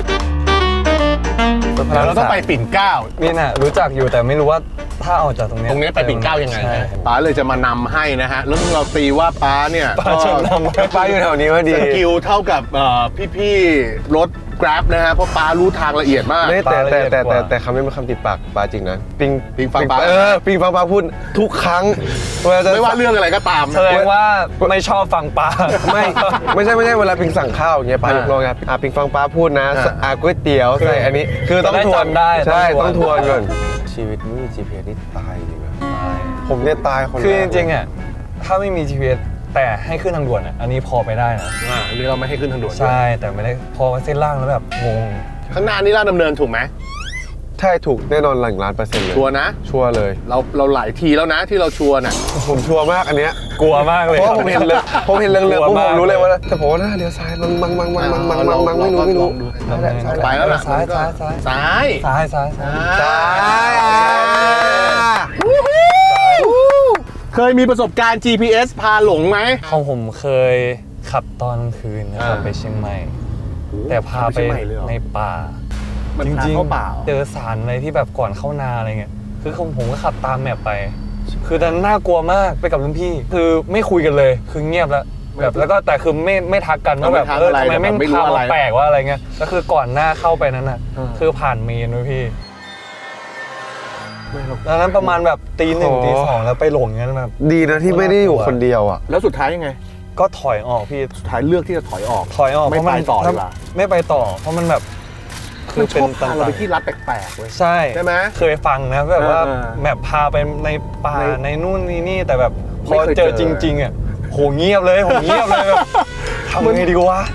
Speaker 1: เดี๋ยวเราต้องไปปิ่นเกล้า
Speaker 2: นี่น่ะรู้จักอยู่แต่ไม่รู้ว่าถ้าออกจากตรงเนี้ย
Speaker 1: ตรงนี้ไปปิ่นเกล้ายังไง
Speaker 2: ใช่
Speaker 1: ป้าเลยจะมานำให้นะฮะแล้วเราตีว่าป้าเนี่ย
Speaker 2: ป้าชวนนำ
Speaker 4: ป้าอยู่แถวนี้พอดี
Speaker 1: สกิลเท่ากับเอ่อพี่ๆรถ Grab นะฮะเพราะป้ารู้ทางละเอียดมาก
Speaker 4: ไม่แต่แต่แต่
Speaker 2: ปลาละเอียดก
Speaker 4: แต่
Speaker 2: ว่า
Speaker 4: แต่คำนี้เป็นคำติดปากปลาจริงนะ ปิง
Speaker 1: ปิงฟังปลา
Speaker 4: เออปิงฟังปลาพูดทุกครั้งเวลาจะ
Speaker 1: ไม่ว่าเรื่องอะไรก็ตาม
Speaker 2: แสดงว่าไม่ชอบฟังปลา
Speaker 4: ไม่ไม่ใช่ไม่ใช่เวลาปิงสั่งข้าวอย่างเงี้ยปลายกโลงไงอ่ะปิงฟังปลาพูดนะอ่ะก๋วยเตี๋ยวใส่อันนี้คือต้องทวน
Speaker 2: จะได้จำได้
Speaker 4: ใช่
Speaker 2: ต้
Speaker 4: ต้
Speaker 2: อ
Speaker 4: อง ง
Speaker 2: ท
Speaker 4: ท
Speaker 2: ว
Speaker 4: วน นก่อนชีวิตไม่มี จี พี เอส นี่ตายจริงนะผมเนี่ยตายคน
Speaker 2: คือ
Speaker 4: แก
Speaker 2: จริงๆอ่ะถ้าไม่มี จี พี เอส แต่ให้ขึ้นทางด่วนอ่ะอันนี้พอไปได้นะ
Speaker 1: อ่าหรือเราไม่ให้ขึ้นทางด่วน
Speaker 2: ใช่แต่ไม่ได้พอเส้นล่างแล้วแบบงง
Speaker 1: ข้างหน้านี่ลาดดำเนินถูกไหม
Speaker 4: ใช่ถูกแน่นอนหลังล้านเปอร์เซ็นต์เลย
Speaker 1: ชัวร์นะ
Speaker 4: ชัวร์เลย
Speaker 1: เราเราหลายทีแล้วนะที่เราชัวร์น่ะ
Speaker 4: ผมชัวร์มากอันเนี้ย
Speaker 2: กลัวมากเลย
Speaker 4: เพราะว่าผมเห็นเลยผมเห็นเรื่องเรืองๆ
Speaker 2: ก
Speaker 4: ปุ๊บ
Speaker 2: มาก
Speaker 4: ผมรู้เลยว่าแต่ผมว่าหน้าเลี้ยวซ้ายมังมังมังมังมังมังมังมังไม่รู้ไม่รู้
Speaker 2: ซ้ายแหละซ้าย
Speaker 1: ไปแล้วล่ะ
Speaker 2: ซ้าย
Speaker 1: มันก็
Speaker 2: ซ้าย
Speaker 1: ซ้าย
Speaker 2: ซ้ายซ้ายซ้าย
Speaker 1: ซ้ายเคยมีประสบการณ์ จี พี เอส พาหลงไหม
Speaker 2: ของผมเคยขับตอนกลางคืนนะครับ
Speaker 1: อ่า
Speaker 2: ไปเชียงใหม่ แต่พาไป
Speaker 1: ไปเชียงใหม่เลยเหรอ
Speaker 2: ในป่า
Speaker 1: มัน
Speaker 2: จ
Speaker 1: พา
Speaker 2: ริง
Speaker 1: เข้าป่า
Speaker 2: ๆเจอสารอะไรที่แบบก่อนเข้านาอะไรเงี้ยคือผมผมก็ขับตามแมพไป คือตอนนั้นน่ากลัวมากไปกับรุ่นพี่ คือไม่คุยกันเลยคือเงียบแล้วแบบแล้วก็แต่คือไม่ไม่ทักกันว่าแบบเออทำไมแม่งพามาแปลกว่าอะไรเงี้ยก็คือก่อนหน้าเข้าไปนั้นน่ะคือผ่านเมนด้วยพี่ตอนนั้นประมาณแบบตีหนึ่งตีสองแล้วไปหลงอย่างนั้นแบบ
Speaker 4: ดีนะที่ไม่ได้อยู่คนเดียวอ่ะ
Speaker 1: แล้วสุดท้ายยังไง
Speaker 2: ก็ถอยออกพี่
Speaker 1: สุดท้ายเลือกที่จะถอยออก
Speaker 2: ถอยออก
Speaker 1: ไม่
Speaker 2: เพราะมัน
Speaker 1: ไปต่อดีกว่า
Speaker 2: ไม่ไปต่อ เพราะมันแบบ
Speaker 1: มันชอบพาเราไป
Speaker 2: ๆ
Speaker 1: ที่รัดแปลกๆเว้ย
Speaker 2: ใช่
Speaker 1: ใช่ไหม
Speaker 2: เคยฟังนะแบบว่า
Speaker 1: เออเออ
Speaker 2: แบบพาไปในป่า
Speaker 1: ใน
Speaker 2: ในนู่นนี่นี่แต่แบบพ
Speaker 1: ไม่
Speaker 2: อ
Speaker 1: เคย
Speaker 2: เจอ
Speaker 1: เจอ
Speaker 2: จริงๆอ่ะโหเงียบเลยโหเงียบเลยแบบทำไงดีวะ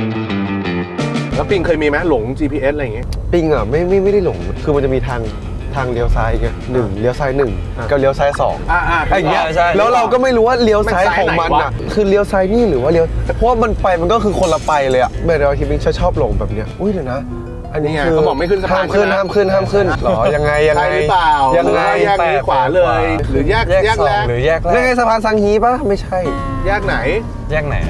Speaker 1: แล้วปิงเคยมีไหมหลง จี พี เอส อะไรอย่างเงี้ย
Speaker 4: ปิงอ่ะไม่ไม่ไม่ได้หลงคือมันจะมีทาง
Speaker 8: ทางเลี้ยวซ้ายอย่างเงี้ยหนึ่งเลี้ยวซ้ายหนึ่งก็เลี้ยวซ้ายสอง
Speaker 1: อ่าอ่า
Speaker 8: ไอ้อย่างเงี้ย
Speaker 2: ใช่
Speaker 8: แล้วเราก็ไม่รู้ว่าเลี้ยวซ้ายของมัน
Speaker 1: มันซ้ายไหน
Speaker 8: อ่ะ
Speaker 1: วะ
Speaker 8: คือเลี้ยวซ้ายนี่หรือว่าเลี้ยวเพราะว่ามันไปมันก็คือคนละไปเลยอ่ะเมื่อเราคิดว่าชอบหลงแบบเนี้ยอุ้ยเดี๋ยวนะ อันนี้
Speaker 1: นี่ไง
Speaker 8: คือ
Speaker 1: เขาบอกไม่ขึ้นสะพาน
Speaker 8: ห้ามขึ้น
Speaker 1: ใช่ไหม
Speaker 8: ห้ามขึ้นห้ามขึ้นหรอยังไงยัง
Speaker 1: ใช่
Speaker 8: ไง
Speaker 1: หรือเปล่า
Speaker 8: ยังไง
Speaker 1: หรือว่าแยกนี้ขวาเลย หรือแยก
Speaker 2: แยก
Speaker 1: แยก
Speaker 2: สอ
Speaker 1: แรง ก
Speaker 2: หรือแยกแร
Speaker 8: นั่นไง
Speaker 2: ก
Speaker 8: สะพานสังฮีปะไม่ใช่
Speaker 1: แยกไหน
Speaker 2: แยกไหนอะ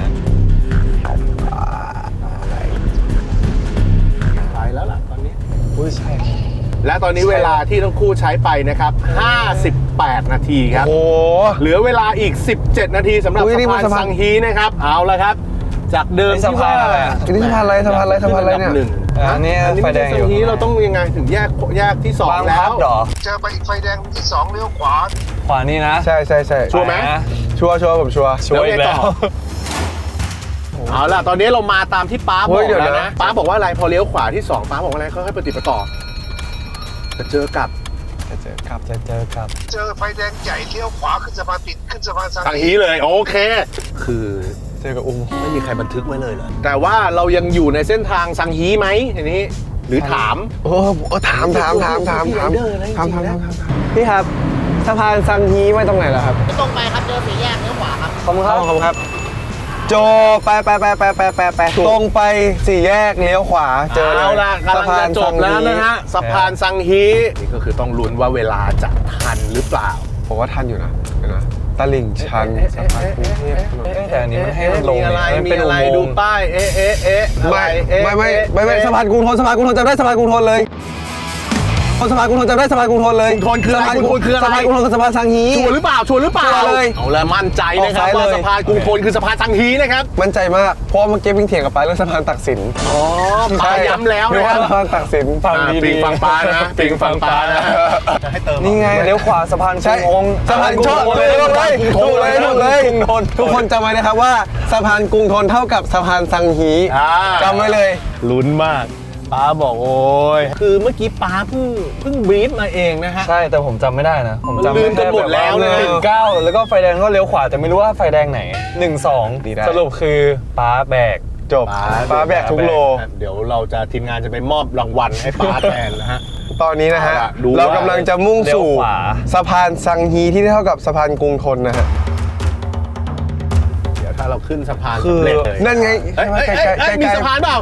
Speaker 1: ไปแล้วล่ะตอนนี้
Speaker 8: อุ้ยใช่
Speaker 1: และตอนนี้เวลาที่ทั้งคู่ใช้ไปนะครับห้าสิบแปดนาทีครับ
Speaker 8: โอ้
Speaker 1: เหลือเวลาอีก สิบเจ็ด นาทีสำหรับ
Speaker 8: อุ๊ยนี่
Speaker 1: สะ
Speaker 8: มั
Speaker 1: พาน น
Speaker 8: สะพาน
Speaker 1: ซังฮีนะครับ เอาละครับ จากเดิม
Speaker 2: นี่สะ
Speaker 1: ที่
Speaker 2: พา
Speaker 1: ว่าน
Speaker 2: อะไรอะ
Speaker 8: อันนี้สะพานอะไรสะพานอะไรสะพานอะไรเนี่ย
Speaker 1: หนึ่ง
Speaker 2: อันนี้
Speaker 1: อันนี้
Speaker 2: ไฟ
Speaker 1: ไม่
Speaker 2: แด
Speaker 1: ใช่
Speaker 2: งอยู่
Speaker 1: ซังฮีเราต้องยังไงถึงแยกแยกที่สอง
Speaker 2: บาง
Speaker 1: แล้
Speaker 2: พับ
Speaker 1: ว
Speaker 2: เหรอ
Speaker 7: เจอไปอีกไฟแดงที่สองเลี้ยวขวา
Speaker 2: ขวานี่นะ
Speaker 8: ใช่ใช่ใช่
Speaker 1: ชัวร์ไหม
Speaker 2: นะ
Speaker 8: ชัวร์ชัวร์ผมชัวร์
Speaker 2: ช่วยอีกแล้ว
Speaker 1: เอาล่ะตอนนี้เรามาตามที่ป้าบ
Speaker 8: เฮ้
Speaker 1: อย ก
Speaker 8: เดี๋ยว
Speaker 1: แล้ว
Speaker 8: นะ
Speaker 1: นะป้าบอกว่าอะไรพอเลี้ยวขวาที่สองป้าบอกว่าอะไรค่อยๆปฏิบัติต่อจะเจอกับ
Speaker 8: จะเจอครับ
Speaker 2: จะเจอกับ
Speaker 7: เจอไฟแดงใหญ่เลี้ยวขวาขึ้นสะพานปิดขึ้นสะพานสัง
Speaker 1: ซังฮีเลยโอเค คือ
Speaker 8: เจอกับอุ้ม
Speaker 1: ไม่มีใครบันทึกไว้เลยเหรอแต่ว่าเรายังอยู่ในเส้นทางซังฮีไหมทีนี้ หรือถาม
Speaker 8: โอ้โหถามถามถามถามถาม
Speaker 1: พี่ไรเดอร์นะ
Speaker 8: ถาม
Speaker 1: จริ
Speaker 8: ถาม
Speaker 1: งๆ
Speaker 8: ถาม
Speaker 1: นะ
Speaker 8: ถามพี่ครับสะพานซังฮีไว้ตรงไหนล่ะครับ
Speaker 6: ตรงไปครับเจอสี่แยกเลี้ยวขวาครับ
Speaker 8: ขอบคุณครับขอบคุณครับ โจไปไปไปไปไปไปไปตรงไปสี่แยกเลี้ยวขวาเจอ
Speaker 1: เอาละกำลังจะจบแล้วนะฮะสะพานซังฮีนี่ก็คือต้องลุ้นว่าเวลาจะทันหรือเปล่า
Speaker 8: ผมว่าทันอยู่นะเดี๋ยวนะตลิ่งชันสะพานกรุงเทพถนน
Speaker 2: เอ๊ะแต่อันนี้มันให้มันลง
Speaker 1: มีอะไร
Speaker 2: เนี่ยมัน
Speaker 1: มี
Speaker 2: เป็น
Speaker 1: อะไร
Speaker 2: อุโม
Speaker 1: ดู
Speaker 2: งค์
Speaker 1: ป้ายเอ๊ะเอ๊ะเอ๊ะอะไร
Speaker 8: ไม่
Speaker 1: เอ๊ะ
Speaker 8: ไม่ไม่
Speaker 1: เอ๊ะ
Speaker 8: ไม่ไม่
Speaker 1: เอ๊ะ
Speaker 8: สะพานกรุงทนสะพานกรุงทนจำได้สะพานกรุงทนเลยสะพานกรุงทนจำได้สะพานกรุงทนเลย
Speaker 1: กรุงทนคืออะไร
Speaker 8: สะพาน
Speaker 1: กรุงทนคืออะไร
Speaker 8: สะพานกรุงทนกับสะพานซังฮี
Speaker 1: ชัวร์หรือเปล่าชัวร์หรือเปล่า
Speaker 8: ชัวร์เลย
Speaker 1: เอาละมั่นใจนะครับ
Speaker 8: ออกซ้าย
Speaker 1: ว่า
Speaker 8: เลย
Speaker 1: สะพานกรุงทนคือสะพานซังฮีนะครับ
Speaker 8: มั่นใจมากเพราะเมื่อกี้วิ่งเถียงกับไปาเรื่องสะพานตักสิน
Speaker 1: อ๋อป้าย้ำแล้ว
Speaker 8: นึก
Speaker 1: นะค
Speaker 8: ว่า
Speaker 1: รับ
Speaker 8: สะพานตักสิน
Speaker 2: ฟัง
Speaker 1: อ่า
Speaker 2: ดี
Speaker 1: ปิงฟังปลานะปิงฟังปลานะให้เติม
Speaker 8: นี่ไง
Speaker 2: เลี้ยวขวาสะพานก
Speaker 8: ใช่
Speaker 2: รุงองค์
Speaker 8: สะพานชอบเลยถูกเลยถูกเลยถูกเลยทุกคนจำไว้นะครับว่าสะพานกรุงทนเท่ากับสะพานซังฮี
Speaker 1: อ่า
Speaker 8: จำไว้เลย
Speaker 1: ลุ้นมากป้าบอกโอ้ยคือเมื่อกี้ป้าเพิ่งเพิ่งบรีฟมาเองนะฮะ
Speaker 2: ใช่แต่ผมจำไม่ได้นะ ผมจำ
Speaker 1: ลืมกันหมดแล้วเนี่ย
Speaker 2: หนึ่งเก้าแล้วก็ไฟแดงก็เลี้ยวขวาแต่ไม่รู้ว่าไฟแดงไหนหนึ่งสอง
Speaker 8: ดีได้
Speaker 2: สรุปคือป้าแบก
Speaker 8: จบป้าแบกทุกโล
Speaker 1: เดี๋ยวเราจะทีมงานจะไปมอบรางวัลให้ป้าแทนนะฮะ
Speaker 8: ตอนนี้นะฮะ
Speaker 1: เอาล่ะดู
Speaker 8: เรา
Speaker 1: ว่า
Speaker 8: กำลังจะมุ่งสู่
Speaker 2: เลี้ยวขวา
Speaker 8: สะพานซังฮีที่เท่ากับสะพานกรุงทนนะฮะ
Speaker 1: เดี๋ยวถ้าเราขึ้นสะพาน
Speaker 8: คือ
Speaker 1: สำเร็จเลย
Speaker 8: นั่นไง
Speaker 1: เอ้ยเอ้ย
Speaker 8: ใกล้
Speaker 1: เอ้ย
Speaker 8: ใกล้
Speaker 1: เอ้ยมี
Speaker 8: ใกล้
Speaker 1: สะพานเปล่า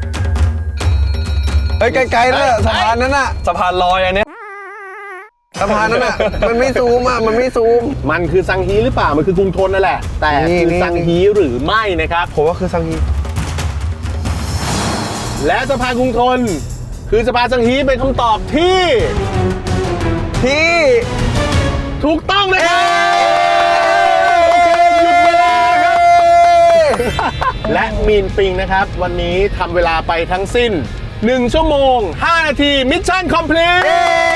Speaker 8: เฮ้ยไกลๆนั่นน่ะสะพานนั้นน่ะ
Speaker 2: สะพานลอยอันเนี้ย
Speaker 8: สะพานนั้นน่ะมันไม่ซูมอ่ะมันไม่ซูม
Speaker 1: มันคือซังฮีหรือเปล่ามันคือกรุงทนนั่นแหละ แต่
Speaker 8: นี่
Speaker 1: คือ
Speaker 8: นี่
Speaker 1: ซังฮีหรือไม่นะครับ
Speaker 8: ผมว่าคือซังฮี
Speaker 1: และสะพานกรุงทน คือสะพานซังฮีเป็นคำตอบที่
Speaker 8: ที่
Speaker 1: ถูกต้องนะครับโอเคหยุดเวลาครับ และมีนปิงนะครับ วันนี้ทำเวลาไปทั้งสิ้นหนึ่งชั่วโมงห้านาทีมิชชั่นคอมพลีท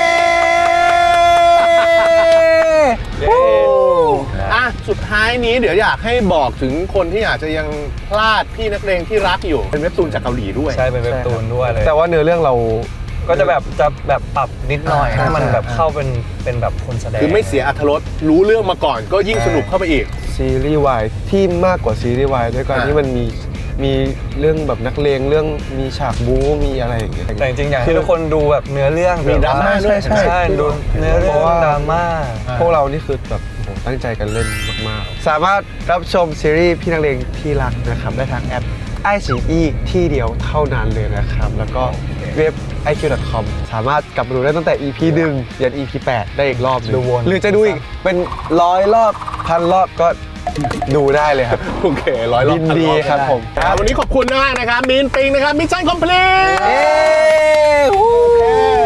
Speaker 1: อ่ะสุดท้ายนี้เดี๋ยวอยากให้บอกถึงคนที่อาจจะยังพลาดพี่นักเลงที่รักอยู่ เป็นเว็บตูนจากเกาหลีด้วย
Speaker 2: ใช่เป็นเว็บตูนด้วยเลย
Speaker 8: แต่ว่าเนื้อเรื่องเรา
Speaker 2: ก็จะแบบจะแบบปรับนิดหน่อย
Speaker 8: ใช่
Speaker 2: ให้มัน
Speaker 8: ใช่
Speaker 2: แบบเข้าเป็นเป็นแบบคนแสดง
Speaker 1: คือไม่เสียอรรถรสรู้เรื่องมาก่อนก็ยิ่งสนุกเข้าไปอีก
Speaker 8: ซีรีส์วายที่มากกว่าซีรีส์วายด้วยการ
Speaker 1: อ่า
Speaker 8: ที่มันมีมีเรื่องแบบนักเลงเรื่องมีฉากบู๊มีอะไรอย่างเงี้ย
Speaker 2: แต่จริงๆอยากให้ทุกคนดูแบบเนื้อเรื่อง
Speaker 1: มีดราม่าด้วย
Speaker 8: ใช่ใช่
Speaker 2: ใช่ดูเนื้อเรื่อง
Speaker 8: เพราะว่า
Speaker 2: ดราม่า
Speaker 8: พวกเรานี่คือแบบโอ้โหตั้งใจกันเล่นมากๆ สามารถรับชมซีรีส์พี่นักเลงที่รักนะครับได้ทางแอปไอซีอีที่เดียวเท่านั้นเลยนะครับ แล้วก็เว็บ ไอ คิว ดอท คอม สามารถกลับมาดูได้ตั้งแต่ อี พี หนึ่งยัน อี พี แปดได้อีกรอบหนึง
Speaker 2: ดูวน
Speaker 8: หรือจะดูอีกเป็นร้อยรอบพันรอบก็ดูได้เลยครับ
Speaker 1: โอเคร้อยรอบ
Speaker 8: ยินดีครับผม
Speaker 1: อ่าวันนี้ขอบคุณมากนะครับมีนปิงนะครับมิชชั่นคอมพลีท
Speaker 8: เย้
Speaker 1: โอเค